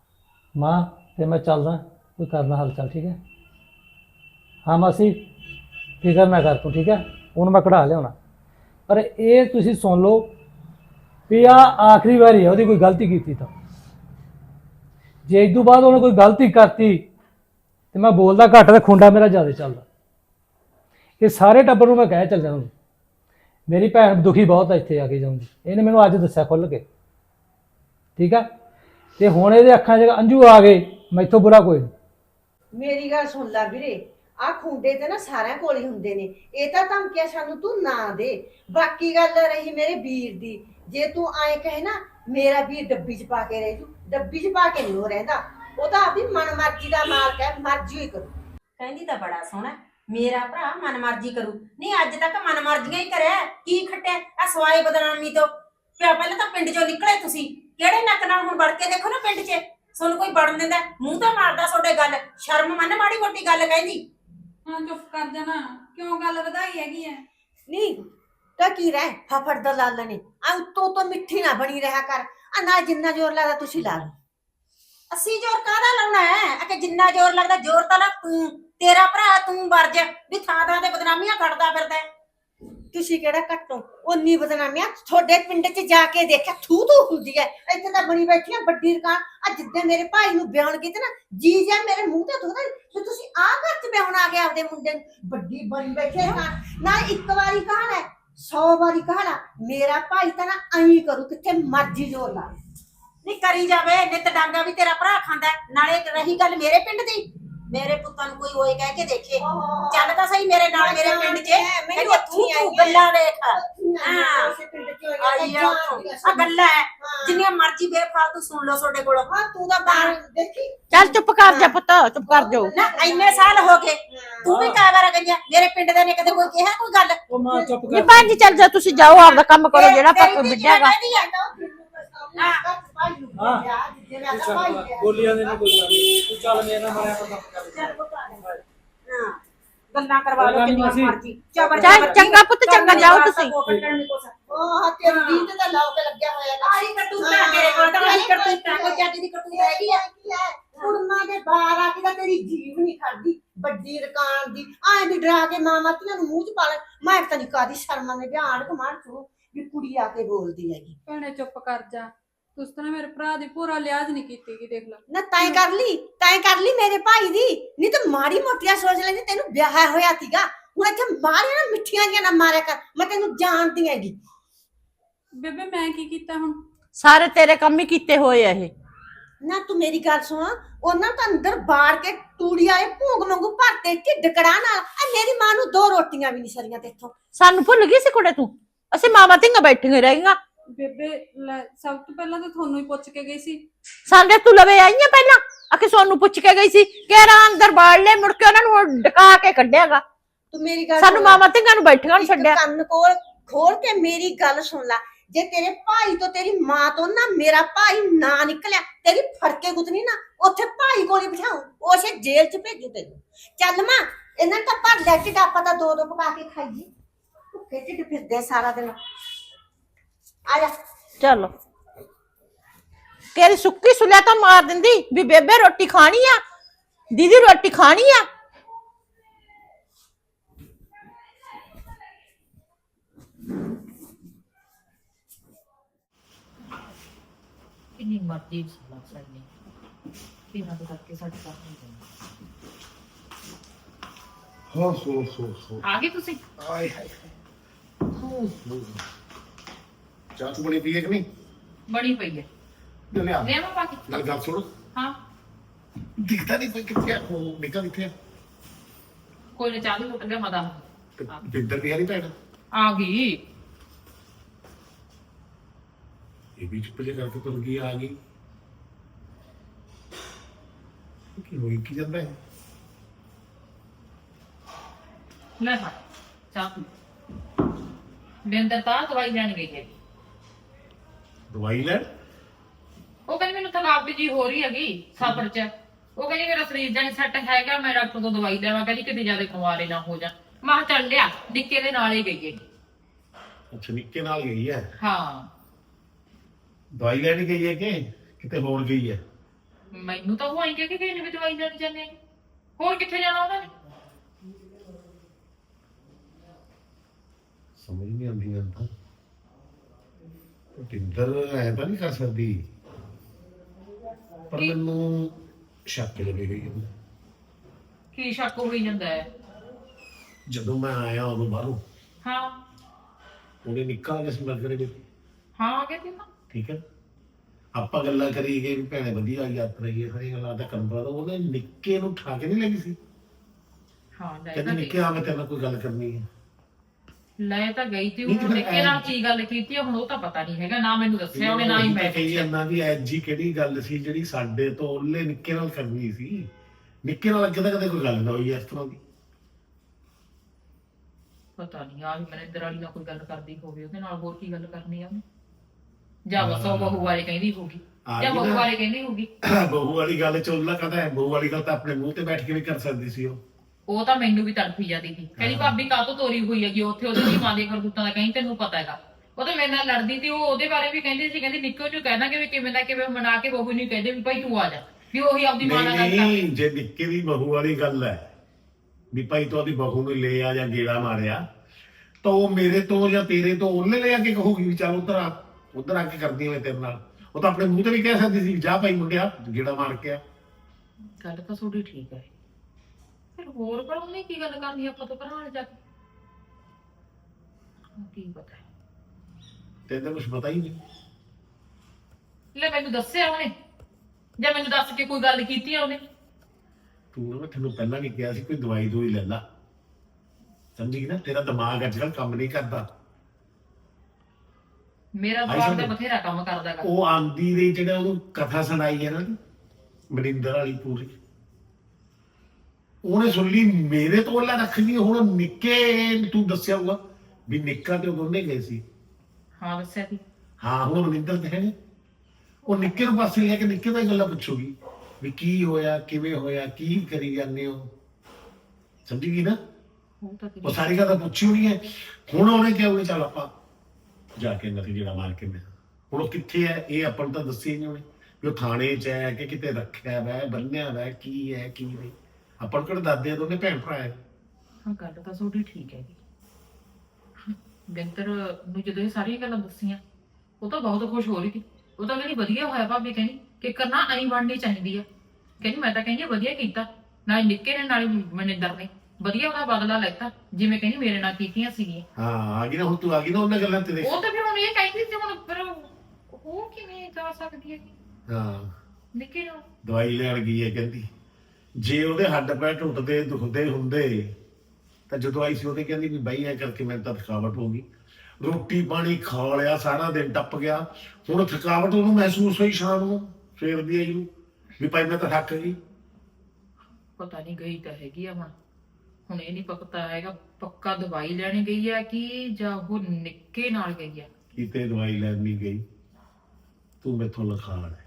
S9: ਮਾਂ ਤੇ ਮੈਂ ਚੱਲਦਾ, ਕੋਈ ਕਰਨਾ ਹੱਲ ਚੱਲ, ਠੀਕ ਹੈ? ਹਾਂ ਮਾਸੀ ਫਿਕਰ ਨਾ ਕਰ ਤੂੰ, ਠੀਕ ਹੈ? ਉਹਨੂੰ ਮੈਂ ਕਢਾ ਲਿਆਉਣਾ। ਪਰ ਇਹ ਤੁਸੀਂ ਸੁਣ ਲਓ ਵੀ ਆ ਆਖਰੀ ਵਾਰੀ ਹੈ ਉਹਦੀ ਕੋਈ ਗਲਤੀ ਕੀਤੀ ਤਾਂ। ਜੇ ਇਸ ਤੋਂ ਬਾਅਦ ਉਹਨੇ ਕੋਈ ਗਲਤੀ ਕਰਤੀ ਤੇ ਮੈਂ ਬੋਲਦਾ ਘੱਟ ਤੇ ਖੁੰਡਾ ਮੇਰਾ ਜ਼ਿਆਦਾ ਚੱਲਦਾ। ਇਹ ਸਾਰੇ ਟੱਬਰ ਨੂੰ ਮੈਂ ਕਹਿ ਚੱਲ ਜਾਵਾਂ, ਮੇਰੀ ਭੈਣ ਦੁਖੀ ਬਹੁਤ ਹੈ ਇੱਥੇ ਆ ਕੇ ਜਾਂਦੀ। ਇਹਨੇ ਮੈਨੂੰ ਅੱਜ ਦੱਸਿਆ ਖੁੱਲ੍ਹ ਕੇ, ਠੀਕ ਆ? ਤੇ ਹੁਣ ਇਹਦੇ ਅੱਖਾਂ 'ਚ ਅੰਜੂ ਆ ਗਏ, ਮੈਥੋਂ ਬੁਰਾ ਕੋਈ ਨਹੀਂ।
S6: ਮੇਰੀ ਗੱਲ ਸੁਣ ਲੈ ਵੀਰੇ, ਆ ਖੁੰਡੇ ਤੇ ਨਾ ਸਾਰਿਆਂ ਕੋਲ ਹੀ ਹੁੰਦੇ ਨੇ। ਇਹ ਤਾਂ ਧਮਕੀਆਂ ਸਾਨੂੰ ਤੂੰ ਨਾ ਦੇ। ਬਾਕੀ ਗੱਲ ਰਹੀ ਮੇਰੇ ਵੀਰ ਦੀ, ਜੇ ਤੂੰ ਐਂ ਕਹੇ ਨਾ ਮੇਰਾ ਵੀਰ ਡੱਬੀ 'ਚ ਪਾ ਕੇ ਰਹਿ ਜੂ, ਡੱਬੀ 'ਚ ਪਾ ਕੇ ਨਹੀਂ ਉਹ ਰਹਿੰਦਾ। ਉਹ ਤਾਂ ਆਪਣੀ ਮਨਮਰਜ਼ੀ ਦਾ ਮਾਲਕ ਹੈ, ਮਰਜ਼ੀ ਹੀ ਕਰੂ।
S8: ਕਹਿੰਦੀ ਤਾਂ ਬੜਾ ਸੋਹਣਾ, ਮੇਰਾ ਭਰਾ ਮਨਮਰਜ਼ੀ ਕਰੂ। ਨਹੀਂ ਅੱਜ ਤੱਕ ਮਨਮਰਜ਼ੀਆਂ ਹੀ ਕਰਿਆ। ਕੀ ਖੱਟਿਆ ਆ ਸਵਾਏ ਬਦਨਾਮੀ ਤੋਂ? ਪਿਆ ਪਹਿਲਾਂ ਤਾਂ ਪਿੰਡ 'ਚੋਂ ਨਿਕਲੇ ਤੁਸੀਂ, ਕਿਹੜੇ ਨੱਕ ਨਾਲ ਹੁਣ ਵੜ ਕੇ ਦੇਖੋ ਨਾ ਪਿੰਡ 'ਚ। ਤੁਹਾਨੂੰ ਕੋਈ ਵੜਨ ਦਿੰਦਾ? ਮੂੰਹ ਤਾਂ ਮਾਰਦਾ ਤੁਹਾਡੇ ਗੱਲ। ਸ਼ਰਮ ਮੰਨ, ਮਾੜੀ ਮੋਟੀ ਗੱਲ ਕਹਿੰਦੀ।
S10: ਹਾਂ ਚੁੱਪ ਕਰ ਜਾਣਾ, ਕਿਉਂ ਗੱਲ ਵਧਾਈ ਹੈਗੀ ਐ?
S6: ਨਹੀਂ ਤਾਂ ਕੀ ਰਹਿ ਫਫੜ ਦਾ ਲਾਲ ਨੇ ਆ ਉੱਤੋਂ ਤੋਂ ਮਿੱਠੀ ਨਾ ਬਣੀ ਰਿਹਾ ਕਰ। ਆ ਨਾ ਜਿੰਨਾ ਜ਼ੋਰ ਲੱਗਦਾ ਤੁਸੀਂ ਲਾ ਲਓ।
S8: ਅਸੀਂ ਜ਼ੋਰ ਕਾਹਦਾ ਲਾਉਣਾ ਹੈ? ਆ ਕਿ ਜਿੰਨਾ ਜ਼ੋਰ ਲੱਗਦਾ ਜ਼ੋਰ ਤਾਂ ਲਾ ਤੂੰ। ਤੇਰਾ ਭਰਾ ਤੂੰ ਵਰਜ ਵੀ ਥਾਂ ਥਾਂ ਤੇ ਬਦਨਾਮੀਆਂ ਕੱਢਦਾ ਫਿਰਦਾ।
S6: ਤੁਸੀਂ ਕਿਹੜਾ ਘੱਟੋ? ਉਨੀ ਬਦਨਾਮੀਆਂ ਤੁਹਾਡੇ ਪਿੰਡ 'ਚ ਜਾ ਕੇ ਦੇਖਿਆ ਥੂ ਥੂ ਹੁੰਦੀ ਐ। ਇੱਥੇ ਤਾਂ ਬਣੀ ਬੈਠੀ ਆ ਵੱਡੀ ਦੁਕਾਨ। ਆ ਜਿੱਦਾਂ ਮੇਰੇ ਭਾਈ ਨੂੰ ਵਿਆਹਣ ਕੀਤੇ ਨਾ ਜੀ ਜਾ ਮੇਰੇ ਮੂੰਹ ਤੇ ਦੁਖਦਾ ਵੀ ਤੁਸੀਂ ਆਹ ਘਰ 'ਚ ਵਿਆਹਣ ਆ ਗਏ ਆਪਦੇ ਮੁੰਡੇ ਨੂੰ। ਵੱਡੀ ਬਣੀ ਬੈਠੀ ਆ ਦੁਕਾਨ। ਨਾ ਇੱਕ ਵਾਰੀ ਕਹਾਣਾ 100 ਵਾਰੀ ਕਹਾਣਾ ਮੇਰਾ ਭਾਈ ਤਾਂ ਨਾ ਐਂ ਕਰੂ ਕਿੱਥੇ ਮਰਜ਼ੀ ਜ਼ੋਰ ਲਾ।
S8: ਨਹੀਂ ਕਰੀ ਜਾਵੇ, ਨਿੱਤ ਡਾਂਗਾ ਵੀ ਤੇਰਾ ਭਰਾ ਖਾਂਦਾ। ਨਾਲੇ ਰਹੀ ਗੱਲ ਮੇਰੇ ਪਿੰਡ ਦੀ, ਮੇਰੇ ਪੁੱਤਾਂ ਨੂੰ ਕੋਈ ਹੋਏ ਕਹਿ ਕੇ ਦੇਖੇ ਚੱਲ ਤਾਂ ਸਹੀ ਮੇਰੇ ਨਾਲ ਮੇਰੇ ਪਿੰਡ 'ਚ
S6: ਮੈਨੂੰ
S8: ਕਹਿੰਦੀ ਤੂੰ ਗੱਲਾਂ ਦੇਖ ਹਾਂ
S6: ਉਸੇ ਪਿੰਡ ਚ
S8: ਆਈ ਆ ਆ ਗੱਲਾਂ ਹੈ ਜਿੰਨੀਆਂ ਮਰਜ਼ੀ ਬੇਫਾਲਤੂ ਸੁਣ ਲਓ ਤੁਹਾਡੇ ਕੋਲੋਂ
S6: ਹਾਂ ਤੂੰ ਤਾਂ ਬਾਹਰ ਦੇਖੀ
S7: ਚੱਲ ਚੁੱਪ ਕਰ ਜਾ ਪੁੱਤ ਚੁੱਪ ਕਰ ਜਾਓ
S8: ਨਾ ਇੰਨੇ ਸਾਲ ਹੋ ਗਏ ਤੂੰ ਵੀ ਕਾ ਵਾਰ ਗਈਆਂ ਮੇਰੇ ਪਿੰਡ ਦੇ ਨੇ ਕਦੇ ਕੋਈ ਕਿਹਾ ਕੋਈ ਗੱਲ
S3: ਉਹ ਮਾਂ ਚੁੱਪ
S7: ਨਹੀਂ
S3: ਕਰ
S7: ਭੈਣ ਜੀ ਚੱਲ ਜਾ ਤੁਸੀਂ ਜਾਓ ਆਪਦਾ ਕੰਮ ਕਰੋ ਜਿਹੜਾ
S8: ਤੇਰੀ
S7: ਪੱਕ
S8: ਧੀ
S7: ਵਿੱਢਿਆਗਾ
S8: ਕਹਿੰਦੀ ਆ,
S3: ਬੋਲੀ ਜਾਂਦੇ ਨੇ ਕੋਈ ਗੱਲ ਨਹੀਂ ਤੂੰ ਚੱਲ ਮੇਰੇ ਨਾਲ ਮਾਰਿਆ ਕਰ
S8: ਹਾਂ ਗੱਲਾਂ ਕਰਵਾ ਲਓ ਕਿੰਨੀਆਂ ਮਰਜ਼ੀ ਚਬਰ
S7: ਚੱਲ ਚੰਗਾ ਪੁੱਤ ਚੰਗਾ ਜਾਓ ਤੁਸੀਂ
S6: ਉਹ ਤੇਰੀ ਦੀਦ ਤਾਂ ਲਾਉ ਕੇ ਲੱਗਿਆ ਹੋਇਆ ਨਾ
S8: ਆਈ ਕਰਤੂਤਾਂ ਮੇਰੇ ਕੋਲ ਤਾਂ ਆਈ ਕਰਤੂਤਾਂ ਕੋਈ ਚੱਜ ਦੀ ਕਰਤੂਤ ਹੈਗੀ ਆ
S6: ਕੁੜਮਾਂ ਦੇ ਬਾਹਰ ਆ ਕੇ ਤਾਂ ਤੇਰੀ ਜੀਭ ਨਹੀਂ ਖੜਦੀ ਵੱਡੀ ਰਕਾਨ ਦੀ ਐਂ ਵੀ ਡਰਾ ਕੇ ਮਾਮਾ-ਧੀਆਂ ਨੂੰ ਮੂੰਹ ਚ ਪਾ ਲੈ ਮੈਂ ਤਾਂ ਨਹੀਂ ਕਾਦੀ ਸ਼ਰਮਾਂ ਦੇ ਬਿਆਨ ਕਮਾਣ ਚੋਂ ਵੀ ਕੁੜੀ ਆ ਕੇ ਬੋਲਦੀ ਹੈਗੀ
S10: ਭੈਣੇ ਚੁੱਪ ਕਰ ਜਾ ਤੁਸੀਂ ਤਾਂ ਨਾ ਮੇਰੇ ਭਰਾ ਦੀ ਪੂਰਾ ਲਿਹਾਜ਼ ਨਹੀਂ ਕੀਤੀ ਗੀ ਦੇਖ ਲੈ
S6: ਨਾ ਤੈਂ ਕਰ ਲਈ ਮੇਰੇ ਭਾਈ ਦੀ ਨਹੀਂ ਤਾਂ ਮਾੜੀ ਮੋਟੀਆਂ ਸੋਚ ਲੈਂਦੀ ਤੈਨੂੰ ਵਿਆਹ ਹੋਇਆ ਸੀਗਾ ਹੁਣ ਇੱਥੇ ਮਾਰੇ ਨਾ ਮਿੱਠੀਆਂ ਜੀਆਂ ਨਾ ਮਾਰਿਆ ਕਰ ਮੈਂ ਤੈਨੂੰ ਜਾਣਦੀ ਹੈਗੀ
S10: ਬੇਬੇ ਮੈਂ ਕੀ ਕੀਤਾ ਹੁਣ
S7: ਸਾਰੇ ਤੇਰੇ ਕੰਮ ਹੀ ਕੀਤੇ ਹੋਏ ਆ ਇਹ
S6: ਨਾ ਤੂੰ ਮੇਰੀ ਗੱਲ ਸੁਣ ਉਹਨਾਂ ਤਾਂ ਅੰਦਰ ਬਾੜ ਕੇ ਤੂੜੀ ਵਾਲੇ ਭੂਗ ਵਾਂਗੂ ਭਰਤੇ ਢਿੱਡ ਕੜਾ ਨਾਲ ਆ ਮੇਰੀ ਮਾਂ ਨੂੰ 2 ਰੋਟੀਆਂ ਵੀ ਨਹੀਂ ਸਰੀਆਂ ਤੇਥੋਂ
S7: ਸਾਨੂੰ ਭੁੱਲ ਗਈ ਸੀ ਕੁੜੇ ਤੂੰ ਅਸੀਂ ਮਾਵਾਂ ਧੀਆਂ ਬੈਠੀਆਂ ਰਹੀਆਂ
S10: ਬੇਬੇ ਸਭ ਤੋਂ ਪਹਿਲਾਂ ਤਾਂ ਤੁਹਾਨੂੰ ਹੀ ਪੁੱਛ ਕੇ ਗਈ ਸੀ
S7: ਸਾਡੇ ਤੂੰ ਲਵੇ ਆਈਆਂ ਪਹਿਲਾਂ ਆਖੇ ਸੋਨੂੰ ਪੁੱਛ ਕੇ ਗਈ ਸੀ ਕਿਹੜਾ ਅੰਦਰ ਬਾੜ ਲੈ ਮੁੜ ਕੇ ਉਹਨਾਂ ਨੂੰ ਡਕਾ ਕੇ ਕੱਢਿਆਗਾ
S6: ਤੂੰ ਮੇਰੀ ਗੱਲ
S7: ਸਾਨੂੰ ਮਾਵਾਂ ਧੀਆਂ ਨੂੰ ਬੈਠੀਆਂ ਨੂੰ
S6: ਇੱਕ
S7: ਛੱਡਿਆ
S6: ਕੰਨ ਕੋਲ ਖੋਲ ਕੇ ਮੇਰੀ ਗੱਲ ਸੁਣ ਲੈ ਜੇ ਤੇਰੇ ਭਾਈ ਤੋਂ ਤੇਰੀ ਮਾਂ ਤੋਂ ਨਾ ਮੇਰਾ ਭਾਈ ਨਾ ਨਿਕਲਿਆ ਤੇਰੀ ਫੜਕੇ ਗੁੱਤਨੀ ਨਾ ਉੱਥੇ ਭਾਈ ਕੋਲ ਹੀ ਬਿਠਾਉ ਉਸੇ ਜੇਲ੍ਹ 'ਚ ਭੇਜੂ ਤੈਨੂੰ ਚੱਲ ਮਾਂ ਇਹਨਾਂ ਨੂੰ ਤਾਂ ਭਰ ਲੈ ਢਿੱਡ ਆਪਾਂ ਤਾਂ 2 ਪਕਾ ਕੇ ਖਾਈਏ ਭੁੱਖੇ ਢਿੱਡ ਫਿਰਦੇ ਸਾਰਾ ਦਿਨ ਆ ਜਾ
S7: ਚਲੋ ਕਿਹੜੀ ਸੁੱਕੀ ਸੁਲਿਆ ਤਾਂ ਮਾਰ ਦਿੰਦੀ ਵੀ ਬੇਬੇ ਰੋਟੀ ਖਾਣੀ ਆ ਦੀਦੀ ਰੋਟੀ ਖਾਣੀ ਆ
S11: ਕਿੰਨੀ ਮਰਜ਼ੀ ਸਮਝ ਸਕਦੇ ਇਹਨਾਂ ਤੋਂ ਕਰਕੇ ਸਾਡੇ ਕੰਮ ਨਹੀਂ ਹੋਣਾ
S12: ਹੋ
S11: ਆ ਗਏ ਤੁਸੀਂ
S12: ਆਏ ਹਾਏ ਚਾਹ ਤੂੰ ਬਣੀ ਪੀਏ ਕਿ ਨਹੀਂ
S11: ਬੜੀ ਪਈ ਹੈ
S12: ਲਿਆ
S11: ਲੈ ਮੈਂ ਬਾਕੀ
S12: ਨਾਲ ਗੱਲ ਸੁਣ
S11: ਹਾਂ
S12: ਦਿਖਦਾ ਨਹੀਂ ਕੋਈ ਕਿੱਥੇ ਆ ਉਹ ਨਿਕਲ ਕਿੱਥੇ ਆ
S11: ਕੋਈ ਨਾ ਚਾਲੂ ਹੋ ਗਿਆ ਮਦਾ
S12: ਬਿੰਦਰ ਦੀ ਹਰੀ ਭੈਣ
S11: ਆ ਗਈ
S12: ਇਹ ਵੀ ਚੁੱਪਲੇ ਕਰਕੇ ਤੁਰ ਗਈ ਆ ਗਈ ਕੀ ਹੋਈ ਕੀ ਜਾਂਦਾ ਹੈ
S11: ਲੈ ਹਾਂ ਚਾਹ ਬਿੰਦਰ ਤਾਂ ਦਵਾਈ ਲੈਣ ਗਈ ਹੈ
S12: ਦਵਾਈ ਲੈਣ
S11: ਉਹ ਕਹਿੰਦੀ ਮੈਨੂੰ ਥਕਾਵਟ ਜੀ ਹੋ ਰਹੀ ਹੈਗੀ ਸਫ਼ਰ 'ਚ ਉਹ ਕਹਿੰਦੀ ਮੇਰਾ ਸਰੀਰ ਜਾਨੀ ਸੈੱਟ ਹੈਗਾ ਮੈਂ ਡਾਕਟਰ ਤੋਂ ਦਵਾਈ ਲੈਵਾਂ ਕਹਿੰਦੀ ਕਿਤੇ ਜ਼ਿਆਦਾ ਕੁਆਰੇ ਨਾ ਹੋ ਜਾ ਮੈਂ ਕਿਹਾ ਚੱਲ ਲਿਆ ਨਿੱਕੇ ਦੇ ਨਾਲ ਹੀ ਗਈ ਹੈ
S12: ਅੱਛਾ ਨਿੱਕੇ ਨਾਲ ਗਈ ਹੈ
S11: ਹਾਂ
S12: ਦਵਾਈ ਲੈਣ ਗਈ ਹੈ ਕਿ ਕਿਤੇ ਹੋਰ ਗਈ ਹੈ
S11: ਮੈਨੂੰ ਤਾਂ ਉਹ ਆਈ ਕਿ ਕਿਸੇ ਨੇ ਵੀ ਦਵਾਈ ਲੈਣ ਜਾਂਦੇ ਹੋਰ ਕਿੱਥੇ ਜਾਣਾ ਉਹਨਾਂ ਨੇ
S12: ਸਮਝ ਨਹੀਂ ਆਉਂਦੀ ਮੈਨੂੰ ਤਾਂ ਬਿੰਦਰ ਐ ਤਾਂ ਨਹੀਂ ਕਰ ਸਕਦੀ ਪਰ ਮੈਨੂੰ ਸ਼ੱਕ ਲੱਗੇ ਗਈ
S11: ਕੀ ਸ਼ੱਕ ਹੋਈ ਜਾਂਦਾ ਹੈ
S12: ਜਦੋਂ ਮੈਂ ਆਇਆ ਉਦੋਂ ਬਾਹਰੋਂ
S11: ਹਾਂ
S12: ਉਹਨੇ ਨਿੱਕਾ ਜਿਹਾ ਸਮਝਦੇ ਨੇ
S11: ਹਾਂ ਕਹਿੰਦੀ ਨਾ
S12: ਠੀਕ ਹੈ ਆਪਾਂ ਗੱਲਾਂ ਕਰੀ ਗਏ ਵੀ ਭੈਣੇ ਵਧੀਆ ਯਾਤਰਾ ਹੀ ਹੈ ਸਾਰੀ ਗੱਲਾਂ ਤਾਂ ਕਰਨ ਬਾਅਦ ਉਹਨੇ ਨਿੱਕੇ ਨੂੰ ਠਾ ਕੇ ਨਹੀਂ ਲੱਗੀ ਸੀ
S11: ਹਾਂ ਲੈ
S12: ਕਹਿੰਦੀ
S11: ਤਾਂ
S12: ਨਿੱਕੇ ਆ ਮੈਂ ਤੇਰੇ ਨਾਲ ਕੋਈ ਗੱਲ ਕਰਨੀ ਹੈ
S11: ਲੈ ਤਾਂ ਗਈ ਤੇ
S12: ਨਹੀਂ ਤੇ
S11: ਉਹ
S12: ਫਿਰ
S11: ਨਿੱਕੇ ਨਾਲ ਕੀ ਗੱਲ ਕੀਤੀ ਆ, ਹੁਣ ਉਹ ਤਾਂ ਪਤਾ ਨਹੀਂ ਹੈਗਾ ਨਾ ਮੈਨੂੰ ਦੱਸਿਆ ਉਹਨੇ ਨਾ ਹੀ ਮੈਂ
S12: ਕਹੀ ਇਹਨਾਂ ਦੀ ਐਜੀ ਕਿਹੜੀ ਗੱਲ ਸੀ ਜਿਹੜੀ ਸਾਡੇ ਤੋਂ ਉਹਲੇ ਨਿੱਕੇ ਨਾਲ ਕਰਨੀ ਸੀ ਨਿੱਕੇ ਨਾਲ ਅੱਗੇ ਤਾਂ ਕਦੇ ਕੋਈ ਗੱਲ ਨਾ ਹੋਈ ਇਸ ਤਰ੍ਹਾਂ ਦੀ
S11: ਪਤਾ ਨਹੀਂ ਆ ਵੀ ਮਨਿੰਦਰ ਵਾਲੀ ਨਾਲ ਕੋਈ ਗੱਲ ਕਰਦੀ ਹੋਵੇ ਉਹਦੇ ਨਾਲ ਹੋਰ ਕੀ ਗੱਲ ਕਰਨੀ ਆ ਉਹਨੇ ਜਾਂ ਬਸੋ ਬਹੂ ਬਾਰੇ ਕਹਿੰਦੀ ਹੋਗੀ ਜਾਂ ਬਹੂ ਬਾਰੇ ਕਹਿੰਦੀ ਹੋਗੀ
S12: ਬਹੂ ਵਾਲੀ ਗੱਲ ਚੋਲਾ ਕਹਦਾ ਹੈ ਬਹੂ ਵਾਲੀ ਗੱਲ ਤਾਂ ਆਪਣੇ ਮੂੰਹ ਤੇ ਬੈਠ ਕੇ ਵੀ ਕਰ ਸਕਦੀ ਸੀ
S11: ਉਹ ਤਾਂ ਮੈਨੂੰ ਵੀ ਤੜਫੀ ਜਾਂਦੀ ਸੀ ਕਹਿੰਦੀ ਭਾਬੀ ਕਾਹਤੋਂ ਤੋਰੀ ਹੋਈ ਹੈਗੀ ਉੱਥੇ ਉਹਦੀ ਦੀ ਮਾਂ ਦੀ ਕਰਤੂਤਾਂ ਦਾ ਕਹਿੰਦੀ ਤੈਨੂੰ ਪਤਾ ਹੈਗਾ ਉਹ ਤਾਂ ਮੇਰੇ ਨਾਲ ਲੜਦੀ ਸੀ ਉਹ ਉਹਦੇ ਬਾਰੇ ਵੀ ਕਹਿੰਦੀ ਸੀ ਕਹਿੰਦੀ ਨਿੱਕੋ ਨੂੰ ਕਹਿਣਾ ਕਿ ਵੀ ਕਿਵੇਂ ਦਾ ਕਿਵੇਂ ਮਨਾ ਕੇ ਬਹੂ ਨੂੰ ਕਹਿੰਦੇ ਵੀ ਭਾਈ ਤੂੰ ਆ ਜਾ ਵੀ ਉਹੀ ਆਪਦੀ ਮਾਂ ਨਾਲ ਗੱਲ ਕਰ
S12: ਨਹੀਂ ਜੇ ਨਿੱਕੇ ਦੀ ਬਹੂ ਵਾਲੀ ਗੱਲ ਹੈ ਵੀ ਭਾਈ ਤੂੰ ਉਹਦੀ ਬਹੂ ਨੂੰ ਲੈ ਆ ਜਾਂ ਗੇੜਾ ਮਾਰਿਆ ਤਾਂ ਉਹ ਮੇਰੇ ਤੋਂ ਜਾਂ ਤੇਰੇ ਤੋਂ ਉਹਨੇ ਲੈ ਆ ਕੇ ਕਹੂਗੀ ਵੀ ਚੱਲ ਉਧਰ ਆ ਕੇ ਕਰਦੀ ਮੈਂ ਤੇਰੇ ਨਾਲ ਉਹ ਤਾਂ ਆਪਣੇ ਮੂੰਹ ਤੇ ਵੀ ਕਹਿ ਸਕਦੀ ਸੀ ਜਾ ਭਾਈ ਮੁੰਡਿਆ ਗੇੜਾ ਮਾਰ ਕੇ ਆ
S11: ਗੱਲ ਤਾਂ ਤੁਹਾਡੀ ਠੀਕ ਹੈ ਫਿਰ ਹੋਰ ਪਰ ਉਹਨੇ ਕੀ ਗੱਲ ਕਰਨੀ ਆਪਾਂ ਤੋਂ ਭਰਾ ਨਾਲ ਜਾ ਕੇ ਕੀ ਪਤਾ
S12: ਤੈਨੂੰ ਤਾਂ ਕੁਝ ਪਤਾ ਹੀ ਨਹੀਂ
S11: ਲੈ ਮੈਨੂੰ ਦੱਸਿਆ ਉਹਨੇ ਜਾਂ ਮੈਨੂੰ ਦੱਸ ਕੇ ਕੋਈ ਗੱਲ ਕੀਤੀ ਆ ਉਹਨੇ
S12: ਤੂੰ ਨਾ, ਮੈਂ ਤੈਨੂੰ ਪਹਿਲਾਂ ਵੀ ਕਿਹਾ ਸੀ ਕੋਈ ਦਵਾਈ ਦੂਈ ਲੈ ਲਾ, ਸਮਝੀ ਨਾ? ਤੇਰਾ ਦਿਮਾਗ ਅੱਜ ਕੱਲ ਕੰਮ ਨਹੀਂ ਕਰਦਾ।
S11: ਮੇਰਾ ਦਿਮਾਗ ਤਾਂ ਬਥੇਰਾ ਕੰਮ ਕਰਦਾਗਾ।
S12: ਉਹ ਆਂਦੀ ਦੇ ਜਿਹੜਾ ਉਹਨੂੰ ਕਥਾ ਸੁਣਾਈ ਹੈ ਨਾ ਮਨਿੰਦਰ ਵਾਲੀ ਪੂਰੀ, ਉਹਨੇ ਸੁਣ ਲਈ, ਮੇਰੇ ਤੋਂ ਅੱਲਾ ਰੱਖ ਲਈ। ਹੁਣ ਨਿੱਕੇ ਤੂੰ ਦੱਸਿਆ ਹੋਊਗਾ ਵੀ ਨਿੱਕਾ ਤੇ ਉਹ ਦੋਨੇ ਗਏ ਸੀ।
S11: ਹਾਂ ਦੱਸਿਆ ਸੀ।
S12: ਹਾਂ ਹੁਣ ਮਨਿੰਦਰ ਤੇ ਹੈ, ਉਹ ਨਿੱਕੇ ਨੂੰ ਪਾਸੇ ਲੈ ਕੇ ਨਿੱਕੇ ਤੋਂ ਹੀ ਗੱਲਾਂ ਪੁੱਛੂਗੀ ਵੀ ਕੀ ਹੋਇਆ, ਕਿਵੇਂ ਹੋਇਆ, ਕੀ ਕਰੀ ਜਾਂਦੇ ਹੋ, ਸਮਝੀ ਗਈ ਨਾ? ਉਹ ਸਾਰੀ ਗੱਲ ਤਾਂ ਪੁੱਛੀ ਹੋਣੀ ਹੈ। ਹੁਣ ਉਹਨੇ ਕਿਹਾ ਹੋਵੇ ਚੱਲ ਆਪਾਂ ਜਾ ਕੇ ਨਤੀ ਜਿਹੜਾ ਮਾਰ ਕੇ, ਮੈਂ ਹੁਣ ਉਹ ਕਿੱਥੇ ਹੈ ਇਹ ਆਪਾਂ ਨੂੰ ਤਾਂ ਦੱਸਿਆ ਨਹੀਂ ਉਹਨੇ, ਵੀ ਉਹ ਥਾਣੇ 'ਚ ਹੈ ਕਿ ਕਿਤੇ ਰੱਖਿਆ ਵੈ, ਬੰਨਿਆ ਵੈ, ਕੀ ਹੈ ਕੀ ਨਹੀਂ। ਆਪਾਂ ਨੂੰ ਕਿਹੜਾ ਦਾਦੇ ਆ, ਦੋਨੇ ਭੈਣ ਭਰਾ ਹੈ।
S11: ਹਾਂ ਗੱਲ ਤਾਂ ਤੁਹਾਡੀ ਠੀਕ ਹੈਗੀ। ਬਿੰਦਰ ਨੂੰ ਜਦੋਂ ਇਹ ਸਾਰੀਆਂ ਗੱਲਾਂ ਦੱਸੀਆਂ ਉਹ ਤਾਂ ਬਹੁਤ ਖੁਸ਼ ਹੋ ਰਹੀ ਸੀ। ਉਹ ਤਾਂ ਕਹਿੰਦੀ ਵਧੀਆ ਹੋਇਆ ਭਾਬੀ, ਕਹਿੰਦੀ ਕਿ ਕਰਨਾ ਐਂ ਬਣਨੀ ਚਾਹੀਦੀ ਆ। ਕਹਿੰਦੀ ਮੈਂ ਤਾਂ ਕਹਿੰਦੀ ਵਧੀਆ ਕੀਤਾ, ਨਾਲੇ ਨਿੱਕੇ ਨੇ ਨਾਲੇ ਮਨਿੰਦਰ ਨੇ ਵਧੀਆ ਉਹਦਾ ਬਦਲਾ ਲੈਤਾ, ਜਿਵੇਂ ਕਹਿੰਦੀ ਮੇਰੇ ਨਾਲ ਕੀਤੀਆਂ ਸੀਗੀਆਂ।
S12: ਹਾਂ ਆ ਗਈ ਨਾ, ਹੁਣ ਤੂੰ ਆ ਗਈ ਨਾ ਉਹਨਾਂ ਗੱਲਾਂ ਤੇ।
S11: ਉਹ ਤਾਂ ਫਿਰ ਹੁਣ ਇਹ ਕਹਿੰਦੀ ਸੀ, ਹੁਣ ਫਿਰ ਉਹ ਕਿਵੇਂ ਜਾ ਸਕਦੀ ਹੈ?
S12: ਹਾਂ
S11: ਨਿੱਕੇ ਨੂੰ
S12: ਦਵਾਈ ਲੈਣ ਗਈ ਹੈ ਕਹਿੰਦੀ, ਜੇ ਉਹਦੇ ਹੱਡ ਪੈਰ ਟੁੱਟਦੇ ਦੁਖਦੇ ਹੁੰਦੇ ਤਾਂ ਜਦੋਂ ਆਈ ਸੀ ਉਹਦੇ ਕਹਿੰਦੀ ਵੀ ਬਾਈ ਐ ਕਰਕੇ ਮੈਨੂੰ ਤਾਂ ਥਕਾਵਟ ਹੋ ਗਈ, ਰੋਟੀ ਪਾਣੀ ਖਾ ਲਿਆ, ਸਾਰਾ ਦਿਨ ਟੱਪ ਗਿਆ, ਹੁਣ ਥਕਾਵਟ ਉਹਨੂੰ ਮਹਿਸੂਸ ਹੋਈ ਸ਼ਾਮ ਨੂੰ ਸਵੇਰ ਦੀ ਆਈ ਨੂੰ ਵੀ ਭਾਈ ਮੈਂ ਤਾਂ ਥੱਕ ਗਈ।
S11: ਪਤਾ ਨਹੀਂ ਗਈ ਤਾਂ ਹੈਗੀ ਆ ਹੁਣ ਇਹ ਨਹੀਂ ਪਤਾ ਹੈਗਾ ਪੱਕਾ ਦਵਾਈ ਲੈਣ ਗਈ ਆ ਕਿ ਜਾਂ ਉਹ ਨਿੱਕੇ ਨਾਲ ਗਈ ਆ।
S12: ਕਿਤੇ ਦਵਾਈ ਲੈਣ ਨਹੀਂ ਗਈ, ਤੂੰ ਮੈਥੋਂ ਲਿਖਾਣ ਹੈ।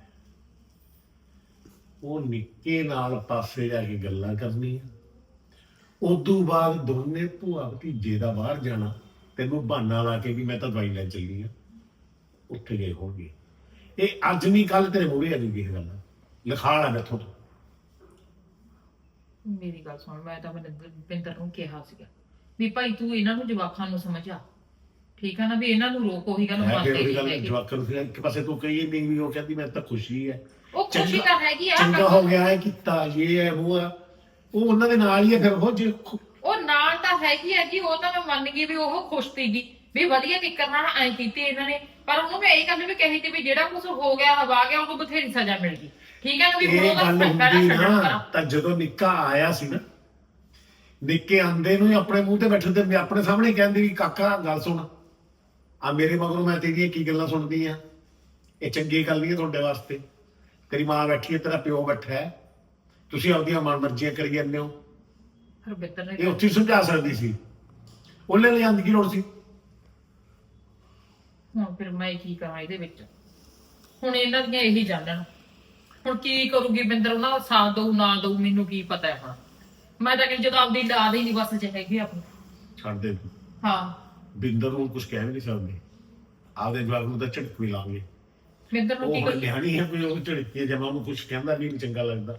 S12: ਉਹ ਨਿੱਕੇ ਨਾਲ ਪਾਸੇ ਜਾ ਕੇ ਗੱਲਾਂ ਕਰਨੀਆਂ, ਉਦੋਂ ਬਾਅਦ ਦੋਨੇ ਭੂਆ ਭਤੀਜੇ ਦਾ ਬਾਹਰ ਜਾਣਾ, ਤੈਨੂੰ ਬਹਾਨਾ ਲਾ ਕੇ ਵੀ ਮੈਂ ਤਾਂ ਦਵਾਈ ਲੈਣ ਚੱਲੀ ਆ, ਉੱਥੇ ਗਏ ਹੋਣਗੇ। ਇਹ ਅੱਜ ਨਹੀਂ ਕੱਲ ਤੇਰੇ ਮੂਹਰੇ ਆ ਜੂਗੀ ਇਹ ਗੱਲ, ਲਿਖਾ ਲਾ ਮੈਥੋਂ।
S11: ਮੇਰੀ ਗੱਲ ਸੁਣ, ਮੈਂ ਤਾਂ ਬਿੰਦਰ ਨੂੰ ਕਿਹਾ ਸੀਗਾ ਵੀ ਭਾਈ ਤੂੰ ਇਹਨਾਂ ਨੂੰ ਜਵਾਕਾਂ ਨੂੰ ਸਮਝਾ, ਠੀਕ ਆ ਨਾ, ਵੀ ਇਹਨਾਂ ਨੂੰ ਰੋਕ। ਉਹੀ ਗੱਲ ਮੰਨਦੇ ਨਹੀਂ ਹੈਗੇ।
S12: ਜਵਾਕਾਂ ਨੂੰ ਇੱਕ ਪਾਸੇ ਤੂੰ ਕਹੀ ਨਹੀਂ ਵੀ ਉਹ ਕਹਿੰਦੀ ਮੈਂ ਤਾਂ ਖੁਸ਼ੀ ਹੈ,
S11: ਉਹ ਖੁਸ਼ੀ ਤਾਂ ਹੈਗੀ ਆ,
S12: ਚੰਗਾ ਹੋ ਗਿਆ ਹੈ ਕੀਤਾ ਇਹ ਹੈ ਉਹ ਆ, ਉਹ ਉਹਨਾਂ ਦੇ ਨਾਲ ਹੀ ਹੈ। ਫਿਰ ਉਹ ਜੇ
S11: ਉਹ ਨਾਲ ਤਾਂ ਹੈਗੀ ਆ ਜੀ, ਉਹ ਤਾਂ ਮੈਂ ਮੰਨ ਗਈ ਵੀ ਉਹ ਖੁਸ਼ ਸੀਗੀ ਵੀ ਵਧੀਆ ਟਿੱਕਰ ਨਾਲ ਐਂ ਕੀਤੀ ਇਹਨਾਂ ਨੇ, ਪਰ ਉਹਨੂੰ ਮੈਂ ਇਹ ਗੱਲ ਵੀ ਕਹੀ ਸੀ ਵੀ ਜਿਹੜਾ ਕੁਝ ਹੋ ਗਿਆ ਹਵਾ ਗਿਆ ਉਹਨੂੰ ਬਥੇਰੀ ਸਜ਼ਾ ਮਿਲ ਗਈ, ਠੀਕ ਹੈ ਨਾ, ਵੀ
S12: ਇਹ
S11: ਉਹਦਾ
S12: ਗੱਲ
S11: ਫੈਸਲਾ
S12: ਹੁੰਦੀ
S11: ਛੱਡਣਾ
S12: ਨਾ। ਤਾਂ ਜਦੋਂ ਨਿੱਕਾ ਆਇਆ ਸੀ ਨਾ, ਨਿੱਕੇ ਆਂਦੇ ਨੂੰ ਹੀ ਆਪਣੇ ਮੂੰਹ ਤੇ ਬੈਠੇ ਤੇ ਆਪਣੇ ਸਾਹਮਣੇ ਕਹਿੰਦੀ ਵੀ ਕਾਕਾ ਗੱਲ ਸੁਣ, ਆ ਮੇਰੇ ਮਗਰੋਂ ਮੈਂ ਤੇਰੀਆਂ ਕੀ ਗੱਲਾਂ ਸੁਣਦੀ ਆ, ਇਹ ਚੰਗੀ ਗੱਲ ਨਹੀਂ ਹੈ ਤੁਹਾਡੇ ਵਾਸਤੇ। ਤੇਰੀ ਮਾਂ ਬੈਠੀ ਹੈ, ਤੇਰਾ ਪਿਓ ਬੈਠਾ ਹੈ, ਤੁਸੀਂ ਆਪਦੀਆਂ ਮਨ ਮਰਜ਼ੀਆਂ ਕਰੀ ਜਾਂਦੇ ਹੋ।
S11: ਬਿੰਦਰ ਨੇ
S12: ਇਹ ਉੱਥੇ ਸਮਝਾ ਸਕਦੀ ਸੀ, ਉਹਨੇ ਲੈ ਜਾਂਦੀ ਕੀ ਲੋੜ ਸੀ?
S11: ਹੁਣ ਫਿਰ ਮੈਂ ਕੀ ਕਰਾਂ ਇਹਦੇ ਵਿੱਚ? ਹੁਣ ਇਹਨਾਂ ਦੀਆਂ ਇਹੀ ਜਾਣਨ, ਹੁਣ ਕੀ ਕਰੂਗੀ ਬਿੰਦਰ, ਉਹਨਾਂ ਦਾ ਸਾਥ ਦਊ ਨਾ ਦਊ ਮੈਨੂੰ ਕੀ ਪਤਾ ਹੈ। ਹੁਣ ਮੈਂ ਤਾਂ ਕਹਿੰਦੀ ਜਦੋਂ ਆਪਦੀ ਲਾਦ ਹੀ ਨਹੀਂ ਬਸ ਚ ਹੈਗੀ ਆਪਣੀ।
S12: ਛੱਡ ਦੇ,
S11: ਹਾਂ
S12: ਬਿੰਦਰ ਨੂੰ ਕੁਝ ਕਹਿ ਵੀ ਨਹੀਂ ਸਕਦੇ, ਆਪਦੇ ਜਵਾਬ ਨੂੰ ਤਾਂ ਝਟਕ ਵੀ ਲਾਂਗੇ।
S11: ਬਿੰਦਰ ਨੂੰ ਕੀ
S12: ਉਹ
S11: ਕਰੀਏ?
S12: ਨਿਆਣੀ ਹੈ ਕੋਈ, ਉਹ ਝੜਕੀ ਜਮਾ ਉਹਨੂੰ ਕੁਝ ਕਹਿੰਦਾ ਵੀ ਨਹੀਂ ਚੰਗਾ ਲੱਗਦਾ,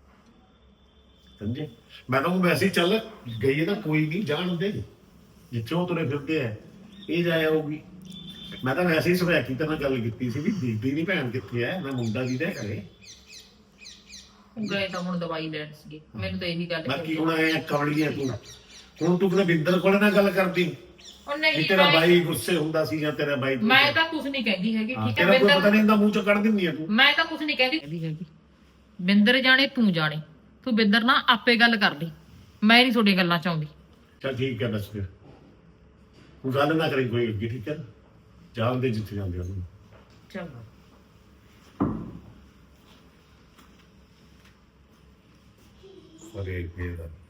S12: ਸਮਝੇ? ਮੈਂ ਤਾਂ ਉਹ ਵੈਸੇ ਹੀ ਚੱਲ ਗਈ ਹੈ ਨਾ, ਕੋਈ ਨਹੀਂ ਜਾਣ ਦੇ, ਜਿੱਥੇ ਉਹ ਤੁਰੇ ਫਿਰਦੇ ਆ ਇਹ ਜਾਇਆ ਹੋਊਗੀ। ਮੈਂ ਤਾਂ ਵੈਸੇ ਹੀ ਸਵੈਕੀ ਤੇ ਨਾਲ ਗੱਲ ਕੀਤੀ ਸੀ ਵੀ ਦੀਦੀ ਦੀ ਭੈਣ ਕਿੱਥੇ ਹੈ, ਮੈਂ ਮੁੰਡਾ ਦੀ ਦੇ ਘਰੇ
S11: ਗਏ ਤਾਂ ਹੁਣ ਦਵਾਈ ਲੈਣ ਸੀਗੇ, ਮੈਨੂੰ ਤਾਂ ਇਹੀ ਗੱਲ
S12: ਬਾਕੀ ਹੁਣ ਐ ਕਵਲੀ ਹੈ ਤੂੰ, ਹੁਣ ਤੂੰ ਕਿਤੇ ਬਿੰਦਰ ਕੋਲ ਨਾ ਗੱਲ ਕਰਦੀ
S11: ਉਹ
S12: ਵੀ
S11: ਨਹੀਂ
S12: ਤੇਰਾ ਬਾਈ ਗੁੱਸੇ ਹੁੰਦਾ ਸੀ ਜਾਂ ਤੇਰਾ ਬਾਈ
S11: ਮੈਂ ਤਾਂ ਕੁਝ ਨਹੀਂ ਕਹਿੰਦੀ ਹੈਗੀ, ਠੀਕ ਹੈ
S12: ਤੇਰਾ ਕੋਈ ਪਤਾ
S11: ਬਿੰਦਰ,
S12: ਨਹੀਂ ਹੁੰਦਾ ਮੂੰਹ ਚੋਂ ਕੱਢ ਦਿੰਦੀ ਆ ਤੂੰ।
S11: ਮੈਂ ਤਾਂ ਕੁਝ ਨਹੀਂ ਕਹਿੰਦੀ ਹੈਗੀ। ਬਿੰਦਰ ਜਾਣੇ ਤੂੰ ਜਾਣੇ, ਤੂੰ ਬਿੰਦਰ ਨਾਲ ਆਪੇ ਗੱਲ ਕਰ ਲਈ, ਮੈਂ ਨਹੀਂ ਤੁਹਾਡੀਆਂ ਗੱਲਾਂ ਚਾਹੁੰਦੀ।
S12: ਚੱਲ ਠੀਕ ਹੈ ਬਸ ਫਿਰ ਹੁਣ ਗੱਲ ਨਾ ਕਰੀ ਕੋਈ ਅੱਗੇ, ਠੀਕ ਹੈ ਨਾ, ਜਾਣਦੇ ਜਿੱਥੇ ਜਾਂਦੇ ਉਹਨੂੰ।
S11: ਚਲੋ
S12: ਅਰੇ ਫੇਰ